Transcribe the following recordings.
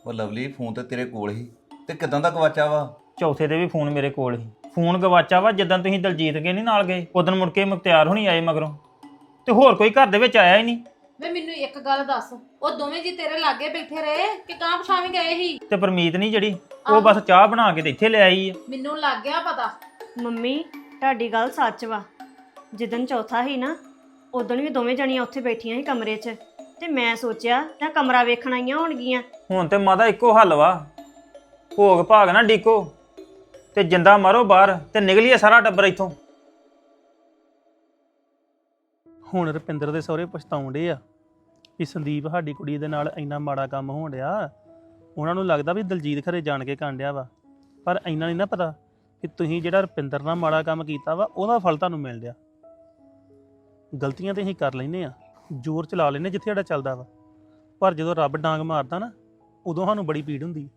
ਉਹ Lovely phone ਤੇ ਤੇਰੇ ਕੋਲ ਹੀ ਤੇ ਕਿਦਾਂ ਦਾ ਗਵਾਚਾ ਵਾ? ਚੌਥੇ ਦੇ ਵੀ ਫੋਨ ਮੇਰੇ ਕੋਲ ਹੀ। ਫੋਨ ਗਵਾਚਾ ਵਾ ਜਦੋਂ ਤੁਸੀਂ ਦਲਜੀਤ ਕੇ ਨਹੀਂ ਨਾਲ ਗਏ ਉਦੋਂ ਮੁੜ ਕੇ ਮੁਖਤਿਆਰ ਹੋਣੀ ਆਏ ਮਗਰੋਂ, ਤੇ ਹੋਰ ਕੋਈ ਘਰ ਦੇ ਵਿੱਚ ਆਇਆ ਹੀ ਨਹੀਂ। ਵੇ ਮੈਨੂੰ ਇੱਕ ਗੱਲ ਦੱਸ, ਉਹ ਦੋਵੇਂ ਜੀ ਤੇਰੇ ਲਾਗੇ ਬੈਠੇ ਰਹੇ ਕਿ ਕਾਂ ਪਛਾਵੇਂ ਗਏ ਸੀ? ਤੇ ਪਰਮੀਤ ਨਹੀਂ ਜਿਹੜੀ ਉਹ ਬਸ ਚਾਹ ਬਣਾ ਕੇ ਤੇ ਇੱਥੇ ਲੈ ਆਈ ਆ। ਮੈਨੂੰ ਲੱਗ ਗਿਆ ਪਤਾ। ਮੰਮੀ ਤੁਹਾਡੀ ਗੱਲ ਸੱਚ ਵਾ। ਜਿੱਦਣ ਚੌਥਾ ਸੀ ਨਾ ਉਦੋਂ ਵੀ ਦੋਵੇਂ ਜਣੀਆਂ ਉੱਥੇ ਬੈਠੀਆਂ ਸੀ ਕਮਰੇ 'ਚ, ਤੇ ਮੈਂ ਸੋਚਿਆ ਜਾਂ ਕਮਰਾ ਵੇਖਣ ਆਈਆਂ ਹੋਣਗੀਆਂ। ਹੁਣ ਤੇ ਮਾਦਾ ਇੱਕੋ ਹੱਲ ਵਾ, ਭੋਗ ਭਾਗ ਨਾ ਡੀਕੋ ਤੇ ਜਿੰਦਾ ਮਾਰੋ ਬਾਹਰ ਤੇ ਨਿਕਲੀਏ ਸਾਰਾ ਟੱਬਰ ਇੱਥੋਂ। ਹੁਣ ਰੁਪਿੰਦਰ ਦੇ ਸਹੁਰੇ ਪਛਤਾਉਂਦੇ ਆ ਕਿ ਸੰਦੀਪ ਸਾਡੀ ਕੁੜੀ ਦੇ ਨਾਲ ਇੰਨਾ ਮਾੜਾ ਕੰਮ ਹੋਣ ਡਿਆ। ਉਹਨਾਂ ਨੂੰ ਲੱਗਦਾ ਵੀ ਦਲਜੀਤ ਖਰੇ ਜਾਣ ਕੇ ਕਰਨ ਡਿਆ ਵਾ, ਪਰ ਇੰਨਾ ਨਹੀਂ ਨਾ ਪਤਾ ਕਿ ਤੁਸੀਂ ਜਿਹੜਾ ਰੁਪਿੰਦਰ ਨਾਲ ਮਾੜਾ ਕੰਮ ਕੀਤਾ ਵਾ ਉਹਦਾ ਫਲ ਤੁਹਾਨੂੰ ਮਿਲ ਰਿਹਾ। ਗਲਤੀਆਂ ਤੇ ਅਸੀਂ ਕਰ ਲੈਨੇ ਆ, ਜ਼ੋਰ ਚਲਾ ਲੈਨੇ ਜਿੱਥੇ ਸਾਡਾ ਚੱਲਦਾ ਵਾ, ਪਰ ਜਦੋਂ ਰੱਬ ਡਾਂਗ ਮਾਰਦਾ ਨਾ ਉਦੋਂ ਸਾਨੂੰ ਬੜੀ ਪੀੜ ਹੁੰਦੀ।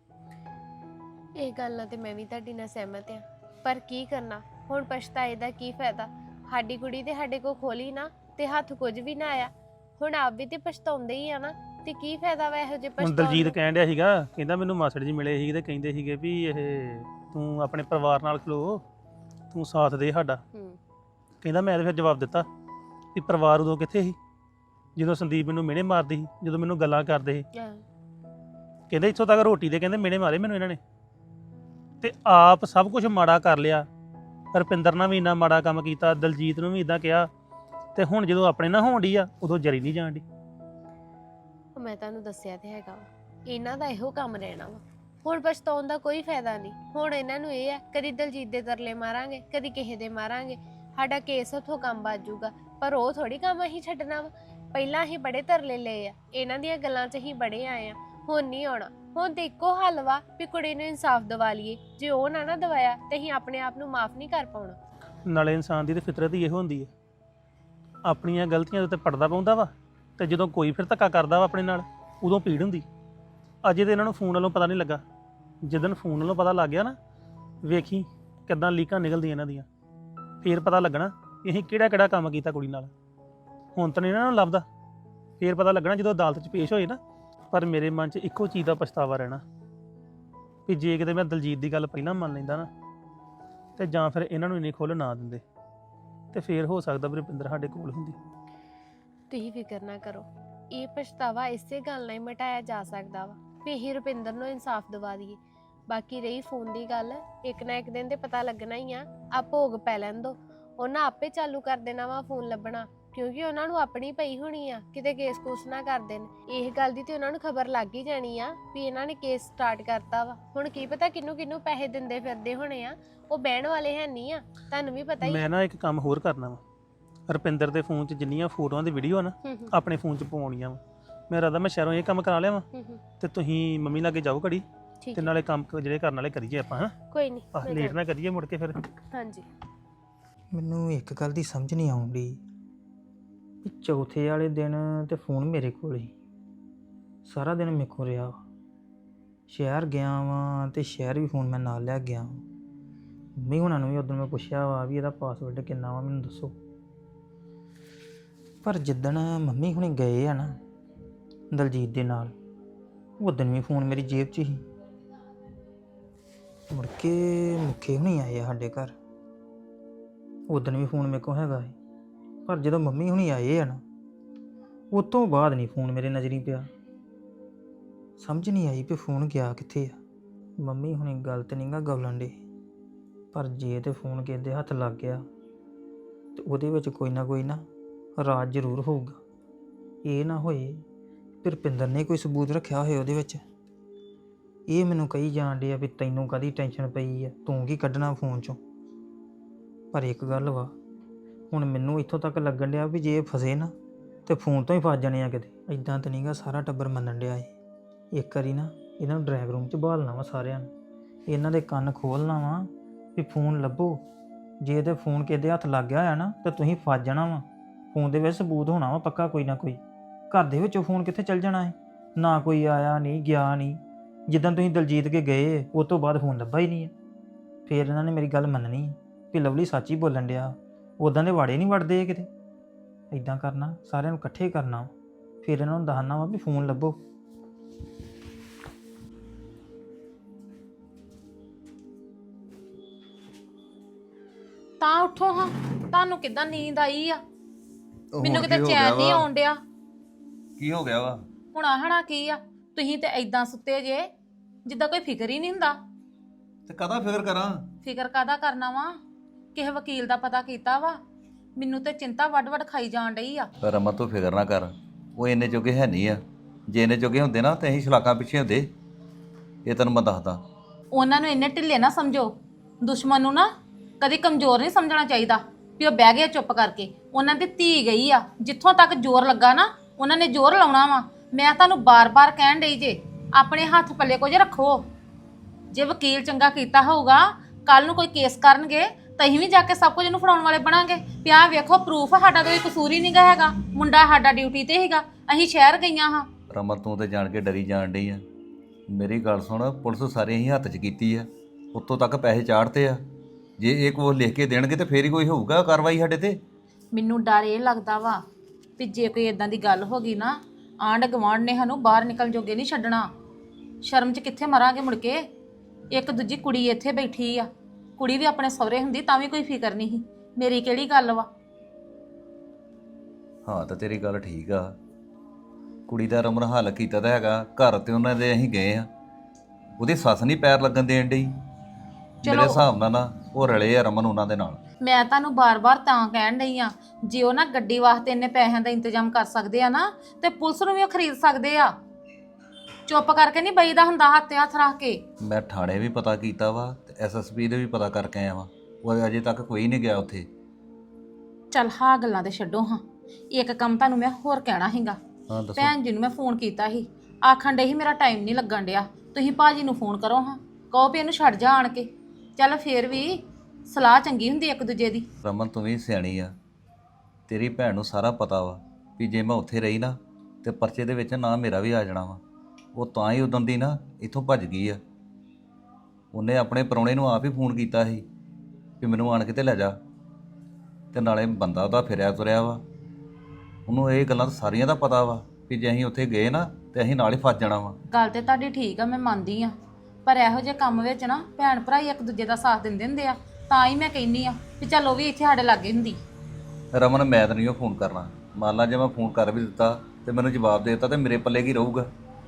ਇਹ ਗੱਲ ਨਾਲ ਤੇ ਮੈਂ ਵੀ ਤੁਹਾਡੀ ਨਾਲ ਸਹਿਮਤ ਆ, ਪਰ ਕੀ ਕਰਨਾ ਹੁਣ, ਪਛਤਾਏ ਦਾ ਕੀ ਫਾਇਦਾ? ਸਾਡੀ ਕੁੜੀ ਤੇ ਸਾਡੇ ਕੋਲ ਖੋਲੀ ਨਾ ਤੇ ਹੱਥ ਕੁਝ ਵੀ ਨਾ ਆਇਆ, ਹੁਣ ਆਪ ਵੀ ਤੇ ਪਛਤਾਉਂਦੇ ਹੀ ਆ ਨਾ, ਤੇ ਕੀ ਫਾਇਦਾ ਵਾ ਇਹੋ ਜਿਹੇ ਹੁਣ ਪਛਤਾਉਣ ਦਲਜੀਤ ਨੂੰ? ਕਹਿਣ ਡਿਆ ਸੀਗਾ, ਕਹਿੰਦਾ ਮੈਨੂੰ ਮਾਸੜ ਜੀ ਮਿਲੇ ਸੀ ਤੇ ਕਹਿੰਦੇ ਸੀਗੇ ਵੀ ਇਹ ਤੂੰ ਆਪਣੇ ਪਰਿਵਾਰ ਨਾਲ ਖਲੋ, ਤੂੰ ਸਾਥ ਦੇ ਸਾਡਾ। ਕਹਿੰਦਾ ਮੈਂ ਤਾਂ ਫਿਰ ਜਵਾਬ ਦਿੱਤਾ ਵੀ ਪਰਿਵਾਰ ਉਦੋਂ ਕਿੱਥੇ ਸੀ ਜਦੋਂ ਸੰਦੀਪ ਮੈਨੂੰ ਮਿਹਣੇ ਮਾਰਦੀ ਸੀ, ਜਦੋਂ ਮੈਨੂੰ ਗੱਲਾਂ ਕਰਦੇ ਸੀ। ਕਹਿੰਦੇ ਇੱਥੋਂ ਤੱਕ ਰੋਟੀ ਦੇ ਕਹਿੰਦੇ ਮਿਹਣੇ ਮਾਰੇ ਮੈਨੂੰ ਇਹਨਾਂ ਨੇ, ਤੇ ਆਪ ਸਭ ਕੁਝ ਮਾੜਾ ਕਰ ਲਿਆ। ਰੁਪਿੰਦਰ ਨਾਲ ਵੀ ਇੰਨਾ ਮਾੜਾ ਕੰਮ ਕੀਤਾ, ਦਲਜੀਤ ਨੂੰ ਵੀ ਇਦਾਂ ਕਿਹਾ, ਤੇ ਹੁਣ ਜਦੋਂ ਆਪਣੇ ਨਾਲ ਹੋਣ ਡਈ ਆ ਉਦੋਂ ਜਰੀ ਨਹੀਂ ਜਾਣ ਡਈ। ਮੈਂ ਤੁਹਾਨੂੰ ਦੱਸਿਆ ਤੇ ਹੈਗਾ ਵਾ, ਇਹਨਾਂ ਦਾ ਇਹੋ ਕੰਮ ਰਹਿਣਾ ਵਾ। ਹੁਣ ਪਛਤਾਉਣ ਦਾ ਕੋਈ ਫਾਇਦਾ ਨਹੀਂ। ਹੁਣ ਇਹਨਾਂ ਨੂੰ ਇਹ ਆ ਕਦੀ ਦਲਜੀਤ ਦੇ ਤਰਲੇ ਮਾਰਾਂਗੇ, ਕਦੀ ਕਿਸੇ ਦੇ ਮਾਰਾਂਗੇ, ਸਾਡਾ ਕੇਸ ਉੱਥੋਂ ਕੰਮ ਵੱਜ ਜਾਊਗਾ, ਪਰ ਉਹ ਥੋੜੀ ਕੰਮ ਅਸੀਂ ਛੱਡਣਾ ਵਾ। ਪਹਿਲਾਂ ਅਸੀਂ ਬੜੇ ਤਰਲੇ ਲਏ ਆ, ਇਹਨਾਂ ਦੀਆਂ ਗੱਲਾਂ 'ਚ ਅਸੀਂ ਬੜੇ ਆਏ ਆ, ਹੁਣ ਨਹੀਂ ਆਉਣਾ। ਹੁਣ ਤੇ ਇੱਕੋ ਹੱਲ ਵਾ ਵੀ ਕੁੜੀ ਨੂੰ ਇਨਸਾਫ ਦਿਵਾ ਲਈਏ। ਜੇ ਉਹ ਨਾ ਦਵਾਇਆ ਤੇ ਅਸੀਂ ਆਪਣੇ ਆਪ ਨੂੰ ਮਾਫ ਨਹੀਂ ਕਰ ਪਾਉਣਾ। ਨਾਲੇ ਇਨਸਾਨ ਦੀ ਤੇ ਫਿਤਰਤ ਹੀ ਇਹੋ ਹੁੰਦੀ ਹੈ, ਆਪਣੀਆਂ ਗਲਤੀਆਂ ਦੇ ਉੱਤੇ ਪੜਦਾ ਪਾਉਂਦਾ ਵਾ, ਤੇ ਜਦੋਂ ਕੋਈ ਫਿਰ ਧੱਕਾ ਕਰਦਾ ਵਾ ਆਪਣੇ ਨਾਲ ਉਦੋਂ ਪੀੜ ਹੁੰਦੀ। ਅਜੇ ਤੇ ਇਹਨਾਂ ਨੂੰ ਫੋਨ ਵੱਲੋਂ ਪਤਾ ਨਹੀਂ ਲੱਗਾ, ਜਿੱਦਣ ਫੋਨ ਵੱਲੋਂ ਪਤਾ ਲੱਗ ਗਿਆ ਨਾ, ਵੇਖੀ ਕਿੱਦਾਂ ਲੀਕਾਂ ਨਿਕਲਦੀਆਂ ਇਹਨਾਂ ਦੀਆਂ, ਫੇਰ ਪਤਾ ਲੱਗਣਾ ਕਿ ਅਸੀਂ ਕਿਹੜਾ ਕੰਮ ਕੀਤਾ ਕੁੜੀ ਨਾਲ। ਹੁਣ ਤਾਂ ਨਹੀਂ ਇਹਨਾਂ ਨੂੰ ਲੱਭਦਾ, ਫੇਰ ਪਤਾ ਲੱਗਣਾ ਜਦੋਂ ਅਦਾਲਤ 'ਚ ਪੇਸ਼ ਹੋਏ ਨਾ। ਪਰ ਮੇਰੇ ਮਨ 'ਚ ਇੱਕੋ ਚੀਜ਼ ਦਾ ਪਛਤਾਵਾ ਰਹਿਣਾ ਵੀ ਜੇ ਕਿਤੇ ਮੈਂ ਦਲਜੀਤ ਦੀ ਗੱਲ ਪਹਿਲਾਂ ਮੰਨ ਲੈਂਦਾ ਨਾ, ਤੇ ਜਾਂ ਫਿਰ ਇਹਨਾਂ ਨੂੰ ਇੰਨੀ ਖੁੱਲ੍ਹ ਨਾ ਦਿੰਦੇ, ਤੇ ਫੇਰ ਹੋ ਸਕਦਾ ਵੀ ਰੁਪਿੰਦਰ ਸਾਡੇ ਕੋਲ ਹੁੰਦੀ। ਤੁਸੀਂ ਫਿਕਰ ਨਾ ਕਰੋ, ਇਹ ਪਛਤਾਵਾ ਇਸੇ ਗੱਲ ਨਾਲ ਹੀ ਮਿਟਾਇਆ ਜਾ ਸਕਦਾ ਵਾ ਵੀ ਅਸੀਂ ਰੁਪਿੰਦਰ ਨੂੰ ਇਨਸਾਫ ਦਿਵਾ ਦਈਏ। ਬਾਕੀ ਰਹੀ ਫੋਨ ਦੀ ਗੱਲ, ਇੱਕ ਨਾ ਇੱਕ ਦਿਨ ਤੇ ਪਤਾ ਲੱਗਣਾ ਹੀ ਆ। ਆ ਭੋਗ ਪੈ ਲੈਣ ਦੋ, ਉਹਨਾਂ ਆਪੇ ਚਾਲੂ ਕਰ ਦੇਣਾ ਵਾ ਫੋਨ ਲੱਭਣਾ, ਕਿਉਂਕਿ ਉਹਨਾਂ ਨੂੰ ਆਪਣੀ ਪਈ ਹੋਣੀ ਆ, ਕਿਤੇ ਕੇਸ ਕੂਸ ਨਾ ਕਰ ਦੇਣ। ਇਹ ਗੱਲ ਦੀ ਤੇ ਉਹਨਾਂ ਨੂੰ ਖਬਰ ਲੱਗ ਹੀ ਜਾਣੀ ਆ ਵੀ ਇਹਨਾਂ ਨੇ ਕੇਸ ਸਟਾਰਟ ਕਰਤਾ ਵਾ। ਹੁਣ ਕੀ ਪਤਾ ਕਿਹਨੂੰ ਪੈਸੇ ਦਿੰਦੇ ਫਿਰਦੇ ਹੋਣੇ ਆ, ਉਹ ਬਹਿਣ ਵਾਲੇ ਹੈ ਨਹੀਂ ਆ, ਤੁਹਾਨੂੰ ਵੀ ਪਤਾ ਹੀ। ਮੈਂ ਨਾ ਇੱਕ ਕੰਮ ਹੋਰ ਕਰਨਾ ਵਾ, ਰੁਪਿੰਦਰ ਦੇ ਫੋਨ 'ਚ ਜਿੰਨੀਆਂ ਫੋਟੋਆਂ ਦੀ ਵੀਡੀਓ ਨਾ ਆਪਣੇ ਫੋਨ 'ਚ ਪਾਉਣੀਆਂ ਵਾ। ਮੇਰਾ ਤਾਂ ਮੈਂ ਸ਼ਹਿਰੋਂ ਇਹ ਕੰਮ ਕਰਾ ਲਿਆ ਵਾ, ਤੇ ਤੁਸੀਂ ਮੰਮੀ ਲਾਗੇ ਜਾਓ ਘੜੀ, ਤੇ ਨਾਲੇ ਕੰਮ ਜਿਹੜੇ ਕਰਨ ਵਾਲੇ ਕਰੀਏ ਆਪਾਂ। ਹਾਂ ਕੋਈ ਨਹੀਂ, ਲੇਟ ਨਾ ਕਰੀਏ ਮੁੜ ਕੇ ਫਿਰ। ਹਾਂਜੀ ਮੈਨੂੰ ਇੱਕ ਗੱਲ ਦੀ ਸਮਝ ਨਹੀਂ ਆਉਂਦੀ ਵੀ ਚੌਥੇ ਵਾਲੇ ਦਿਨ ਤੇ ਫੋਨ ਮੇਰੇ ਕੋਲ ਹੀ ਸਾਰਾ ਦਿਨ ਮੇਰੇ ਕੋਲ ਰਿਹਾ। ਸ਼ਹਿਰ ਗਿਆ ਵਾਂ ਤੇ ਸ਼ਹਿਰ ਵੀ ਫੋਨ ਮੈਂ ਨਾਲ ਲੈ ਗਿਆ। ਮੰਮੀ ਹੁਣਾਂ ਨੂੰ ਵੀ ਉਦੋਂ ਮੈਂ ਪੁੱਛਿਆ ਵਾ ਵੀ ਇਹਦਾ ਪਾਸਵਰਡ ਕਿੰਨਾ ਵਾ ਮੈਨੂੰ ਦੱਸੋ, ਪਰ ਜਿੱਦਣ ਮੰਮੀ ਹੁਣੀ ਗਏ ਆ ਨਾ ਦਲਜੀਤ ਦੇ ਨਾਲ, ਉਦੋਂ ਵੀ ਫੋਨ ਮੇਰੀ ਜੇਬ 'ਚ ਹੀ। ਮੁੜ ਕੇ ਮੁੱਖੇ ਹੁਣੀ ਆਏ ਆ ਸਾਡੇ ਘਰ, ਉਦੋਂ ਵੀ ਫੋਨ ਮੇਰੇ ਕੋਲ ਹੈਗਾ ਹੈ, ਪਰ ਜਦੋਂ ਮੰਮੀ ਹੁਣੀ ਆਏ ਆ ਨਾ ਉਹ ਤੋਂ ਬਾਅਦ ਨਹੀਂ ਫੋਨ ਮੇਰੇ ਨਜ਼ਰੀ ਪਿਆ। ਸਮਝ ਨਹੀਂ ਆਈ ਵੀ ਫੋਨ ਗਿਆ ਕਿੱਥੇ ਆ। ਮੰਮੀ ਹੁਣੀ ਗੱਲ ਤੇ ਨਹੀਂਗਾ ਗਵਲਣ ਡੇ, ਪਰ ਜੇ ਤੇ ਫੋਨ ਕਿਸੇ ਦੇ ਹੱਥ ਲੱਗ ਗਿਆ ਤੇ ਉਹਦੇ ਵਿੱਚ ਕੋਈ ਨਾ ਰਾਜ ਜ਼ਰੂਰ ਹੋਊਗਾ। ਇਹ ਨਾ ਹੋਏ ਫਿਰ ਰੁਪਿੰਦਰ ਨੇ ਕੋਈ ਸਬੂਤ ਰੱਖਿਆ ਹੋਏ ਉਹਦੇ ਵਿੱਚ। ਇਹ ਮੈਨੂੰ ਕਹੀ ਜਾਣ ਡੇ ਆ ਵੀ ਤੈਨੂੰ ਕਾਹਦੀ ਟੈਨਸ਼ਨ ਪਈ ਆ, ਤੂੰ ਕੀ ਕੱਢਣਾ ਫੋਨ 'ਚੋਂ। ਪਰ ਇੱਕ ਗੱਲ ਵਾ, ਹੁਣ ਮੈਨੂੰ ਇੱਥੋਂ ਤੱਕ ਲੱਗਣ ਡਿਆ ਵੀ ਜੇ ਇਹ ਫਸੇ ਨਾ ਤੇ ਫੋਨ ਤੋਂ ਹੀ ਫਸ ਜਾਣੇ ਆ ਕਿਤੇ। ਇੱਦਾਂ ਤਾਂ ਨਹੀਂਗਾ ਸਾਰਾ ਟੱਬਰ ਮੰਨਣ ਡਿਆ ਏ। ਇੱਕ ਵਾਰੀ ਨਾ ਇਹਨਾਂ ਨੂੰ ਡਰਾਈਵ ਰੂਮ 'ਚ ਬਹਾਲਣਾ ਵਾ ਸਾਰਿਆਂ ਨੂੰ, ਇਹਨਾਂ ਦੇ ਕੰਨ ਖੋਲ੍ਹਣਾ ਵਾ ਵੀ ਫੋਨ ਲੱਭੋ। ਜੇ ਤੇ ਫੋਨ ਕਿਸੇ ਦੇ ਹੱਥ ਲੱਗ ਗਿਆ ਹੋਇਆ ਨਾ ਤਾਂ ਤੁਸੀਂ ਫਸ ਜਾਣਾ ਵਾ। ਫੋਨ ਦੇ ਵਿੱਚ ਸਬੂਤ ਹੋਣਾ ਵਾ ਪੱਕਾ ਕੋਈ ਨਾ ਕੋਈ। ਘਰ ਦੇ ਵਿੱਚੋਂ ਫੋਨ ਕਿੱਥੇ ਚੱਲ ਜਾਣਾ ਹੈ, ਨਾ ਕੋਈ ਆਇਆ ਨਹੀਂ ਗਿਆ ਨਹੀਂ। ਜਿੱਦਾਂ ਤੁਸੀਂ ਦਲਜੀਤ ਕੇ ਗਏ ਉਹ ਤੋਂ ਬਾਅਦ ਫੋਨ ਲੱਭਾ ਹੀ ਨਹੀਂ ਹੈ। ਫਿਰ ਇਹਨਾਂ ਨੇ ਮੇਰੀ ਗੱਲ ਮੰਨਣੀ ਹੈ ਵੀ ਲਵਲੀ ਸੱਚ ਹੀ ਬੋਲਣ ਡਿਆ, ਉੱਦਾਂ ਦੇ ਵਾੜੇ ਨਹੀਂ ਵੜਦੇ ਕਿਤੇ। ਇੱਦਾਂ ਕਰਨਾ, ਸਾਰਿਆਂ ਨੂੰ ਇਕੱਠੇ ਕਰਨਾ, ਫਿਰ ਇਹਨਾਂ ਨੂੰ ਦੱਸਣਾ ਵਾ ਵੀ ਫੋਨ ਲੱਭੋ। ਤਾਂ ਉੱਠੋ ਹਾਂ, ਤੁਹਾਨੂੰ ਕਿੱਦਾਂ ਨੀਂਦ ਆਈ ਆ? ਉਹ ਮੈਨੂੰ ਹੁਣ ਕਿਤੇ ਕੀ ਹੋ ਚੈਨ ਗਿਆ ਨਹੀਂ ਵਾ? ਆਉਣ ਡਿਆ। ਕੀ ਹੋ ਗਿਆ ਵਾ? ਹੁਣ ਆਹਣਾ ਕੀ ਆ? ਤੁਸੀਂ ਤੇ ਐਦਾਂ ਸੁੱਤੇ ਜੇ ਜਿੱਦਾਂ ਕੋਈ ਫਿਕਰ ਹੀ ਨਹੀਂ ਹੁੰਦਾ। ਤੇ ਕਾਹਦਾ ਫਿਕਰ ਕਰਾਂ? ਫਿਕਰ ਕਾਦਾ ਕਰਨਾ ਵਾ? ਕਿਸੇ ਵਕੀਲ ਦਾ ਪਤਾ ਕੀਤਾ ਵਾ? ਮੈਨੂੰ ਤੇ ਚਿੰਤਾ ਵੱਡ-ਵੱਡ ਖਾਈ ਜਾਣ ਡਈ ਆ। ਰਮਨ ਤੂੰ ਫਿਕਰ ਨਾ ਕਰ, ਉਹ ਇੰਨੇ ਜੋਗੇ ਹੈ ਨਹੀਂ ਆ। ਜੇ ਇੰਨੇ ਜੋਗੇ ਹੁੰਦੇ ਨਾ ਤੇ ਅਸੀਂ ਸ਼ਲਾਕਾਂ ਪਿੱਛੇ ਹੁੰਦੇ। ਇਹ ਤੈਨੂੰ ਮੈਂ ਦੱਸਦਾ। ਉਹਨਾਂ ਨੂੰ ਇੰਨੇ ਢਿੱਲੇ ਨਾ ਸਮਝੋ। ਦੁਸ਼ਮਣ ਨੂੰ ਨਾ ਕਦੀ ਕਮਜ਼ੋਰ ਨਹੀਂ ਸਮਝਣਾ ਚਾਹੀਦਾ ਵੀ ਉਹ ਬਹਿ ਗਏ ਚੁੱਪ ਕਰਕੇ। ਉਹਨਾਂ ਦੀ ਧੀ ਗਈ ਆ, ਜਿੱਥੋਂ ਤੱਕ ਜ਼ੋਰ ਲੱਗਾ ਨਾ ਉਹਨਾਂ ਨੇ ਜ਼ੋਰ ਲਾਉਣਾ ਵਾ। ਮੈਂ ਤੁਹਾਨੂੰ ਬਾਰ-ਬਾਰ ਕਹਿਣ ਡਈ ਜੇ, ਆਪਣੇ ਹੱਥ ਪੱਲੇ ਕੁਝ ਰੱਖੋ। ਜੇ ਵਕੀਲ ਚੰਗਾ ਕੀਤਾ ਹੋਊਗਾ, ਕੱਲ ਨੂੰ ਕੋਈ ਕੇਸ ਕਰਨਗੇ ਤਾਂ ਅਸੀਂ ਵੀ ਜਾ ਕੇ ਸਭ ਕੁਝ ਇਹਨੂੰ ਫੜਾਉਣ ਵਾਲੇ ਬਣਾਂਗੇ। ਪਿਆ ਵੇਖੋ ਪ੍ਰੂਫ, ਸਾਡਾ ਕੋਈ ਕਸੂਰ ਹੀ ਨਹੀਂ ਗਾ ਹੈਗਾ। ਮੁੰਡਾ ਸਾਡਾ ਡਿਊਟੀ ਤੇ ਸੀਗਾ, ਅਸੀਂ ਸ਼ਹਿਰ ਗਈਆਂ ਹਾਂ। ਰਮਨ ਤੂੰ ਤੇ ਜਾਣ ਕੇ ਡਰੀ ਜਾਣ ਡਈ ਆ। ਮੇਰੀ ਗੱਲ ਸੁਣ, ਪੁਲਿਸ ਸਾਰੇ ਅਸੀਂ ਹੱਥ 'ਚ ਕੀਤੀ ਆ, ਉੱਤੋਂ ਤੱਕ ਪੈਸੇ ਚਾੜਤੇ ਆ। ਜੇ ਇਹ ਕੋਈ ਲਿਖ ਕੇ ਦੇਣਗੇ ਤੇ ਫੇਰ ਹੀ ਕੋਈ ਹੋਊਗਾ ਕਾਰਵਾਈ ਸਾਡੇ ਤੇ। ਮੈਨੂੰ ਡਰ ਇਹ ਲੱਗਦਾ ਵਾ ਵੀ ਜੇ ਕੋਈ ਇਦਾਂ ਦੀ ਗੱਲ ਹੋ ਗਈ ਨਾ, ਆਂਢ ਗੁਆਂਢ ਨੇ ਸਾਨੂੰ ਬਾਹਰ ਨਿਕਲਣ ਜੋਗੇ ਨਹੀਂ ਛੱਡਣਾ। ਸ਼ਰਮ 'ਚ ਕਿੱਥੇ ਮਰਾਂਗੇ ਮੁੜ ਕੇ। ਇੱਕ ਦੂਜੀ ਕੁੜੀ ਇੱਥੇ ਬੈਠੀ ਆ, ਕੁੜੀ ਵੀ ਆਪਣੇ ਸਹੁਰੇ ਹੁੰਦੀ ਤਾਂ ਵੀ ਕੋਈ ਫਿਕਰ ਨਹੀਂ ਸੀ। ਮੇਰੀ ਕਿਹੜੀ ਗੱਲ ਵਾ? ਹਾਂ ਤਾਂ ਤੇਰੀ ਗੱਲ ਠੀਕ ਆ। ਕੁੜੀ ਦਾ ਰਮਨ ਹੱਲ ਕੀਤਾ ਤਾਂ ਹੈਗਾ, ਘਰ ਤੇ ਉਹਨਾਂ ਦੇ ਅਸੀਂ ਗਏ ਆ। ਉਹਦੀ ਸੱਸ ਨਹੀਂ ਪੈਰ ਲੱਗਣ ਦੇਣ ਡਈ। ਮੇਰੇ ਹਿਸਾਬ ਨਾਲ ਨਾ ਉਹ ਰਲੇ ਆ ਰਮਨ ਉਹਨਾਂ ਦੇ ਨਾਲ। ਮੈਂ ਤੁਹਾਨੂੰ ਬਾਰ-ਬਾਰ ਤਾਂ ਕਹਿਣ ਡਈ ਆ, ਜੇ ਉਹ ਨਾ ਗੱਡੀ ਵਾਸਤੇ ਇੰਨੇ ਪੈਸਿਆਂ ਦਾ ਇੰਤਜ਼ਾਮ ਕਰ ਸਕਦੇ ਆ ਨਾ, ਤੇ ਪੁਲਿਸ ਨੂੰ ਵੀ ਉਹ ਖਰੀਦ ਸਕਦੇ ਆ। ਚੁੱਪ ਕਰਕੇ ਨਹੀਂ ਬਈਦਾ ਹੁੰਦਾ ਹੱਥ ਤੇ ਹੱਥ ਰੱਖ ਕੇ। ਮੈਂ ਥਾਣੇ ਵੀ ਪਤਾ ਕੀਤਾ ਵਾ ਤੇ ਐਸਐਸਪੀ ਦੇ ਵੀ ਪਤਾ ਕਰਕੇ ਆਇਆ ਵਾ। ਉਹ ਅਜੇ ਤੱਕ ਕੋਈ ਨਹੀਂ ਗਿਆ ਉੱਥੇ। ਚੱਲ ਹਾਂ ਗੱਲਾਂ ਤੇ ਛੱਡੋ ਹਾਂ। ਇੱਕ ਕੰਮ ਤੁਹਾਨੂੰ ਮੈਂ ਹੋਰ ਕਹਿਣਾ ਹੈਗਾ। ਹਾਂ ਦੱਸੋ। ਭੈਣ ਜੀ ਨੂੰ ਮੈਂ ਫੋਨ ਕੀਤਾ ਸੀ, ਆਖਣ ਡੇ ਸੀ ਮੇਰਾ ਟਾਈਮ ਨਹੀਂ ਲੱਗਣ ਡਿਆ। ਤੁਸੀਂ ਭਾਜੀ ਨੂੰ ਫੋਨ ਕਰੋ ਹਾਂ, ਕਹੋ ਵੀ ਇਹਨੂੰ ਛੱਡ ਜਾ ਆਣ ਕੇ। ਚੱਲ ਫੇਰ ਵੀ ਸਲਾਹ ਚੰਗੀ ਹੁੰਦੀ ਇੱਕ ਦੂਜੇ ਦੀ। ਰਮਨ ਤੂੰ ਵੀ ਸਿਆਣੀ ਆ। ਤੇਰੀ ਭੈਣ ਨੂੰ ਸਾਰਾ ਪਤਾ ਵਾ ਵੀ ਜੇ ਮੈਂ ਉੱਥੇ ਰਹੀ ਨਾ ਤੇ ਪਰਚੇ ਦੇ ਵਿੱਚ ਨਾਂ ਮੇਰਾ ਵੀ ਆ ਜਾਣਾ ਵਾ। ਉਹ ਤਾਂ ਹੀ ਉਦੋਂ ਦੀ ਨਾ ਇੱਥੋਂ ਭੱਜ ਗਈ ਆ। ਉਹਨੇ ਆਪਣੇ ਪ੍ਰਾਹੁਣੇ ਨੂੰ ਆਪ ਹੀ ਫੋਨ ਕੀਤਾ ਸੀ ਵੀ ਮੈਨੂੰ ਆਣ ਕੇ ਤੇ ਲੈ ਜਾ। ਤੇ ਨਾਲੇ ਬੰਦਾ ਉਹਦਾ ਫਿਰਿਆ ਤੁਰਿਆ ਵਾ। ਉਹਨੂੰ ਇਹ ਗੱਲਾਂ ਤਾਂ ਸਾਰੀਆਂ ਦਾ ਪਤਾ ਵਾ ਵੀ ਜੇ ਅਸੀਂ ਉੱਥੇ ਗਏ ਨਾ ਤੇ ਅਸੀਂ ਨਾਲ ਹੀ ਫਸ ਜਾਣਾ ਵਾ। ਗੱਲ ਤੇ ਤੁਹਾਡੀ ਠੀਕ ਆ, ਮੈਂ ਮੰਨਦੀ ਆ, ਪਰ ਇਹੋ ਜਿਹੇ ਕੰਮ ਵਿੱਚ ਨਾ ਭੈਣ ਭਰਾ ਹੀ ਇੱਕ ਦੂਜੇ ਦਾ ਸਾਥ ਦਿੰਦੇ ਹੁੰਦੇ ਆ। ਤਾਂ ਹੀ ਮੈਂ ਕਹਿੰਨੀ ਆ ਵੀ ਚੱਲ ਉਹ ਵੀ ਇੱਥੇ ਸਾਡੇ ਲਾਗੇ ਹੁੰਦੀ। ਰਮਨ ਮੈਂ ਤਾਂ ਨਹੀਂ ਉਹ ਫੋਨ ਕਰਨਾ। ਮੰਨ ਲਾ ਜੇ ਮੈਂ ਫੋਨ ਕਰ ਵੀ ਦਿੱਤਾ ਤੇ ਮੈਨੂੰ ਜਵਾਬ ਦੇ ਦਿੱਤਾ ਤੇ ਮੇਰੇ ਪੱਲੇ ਕੀ ਰਹੂਗਾ?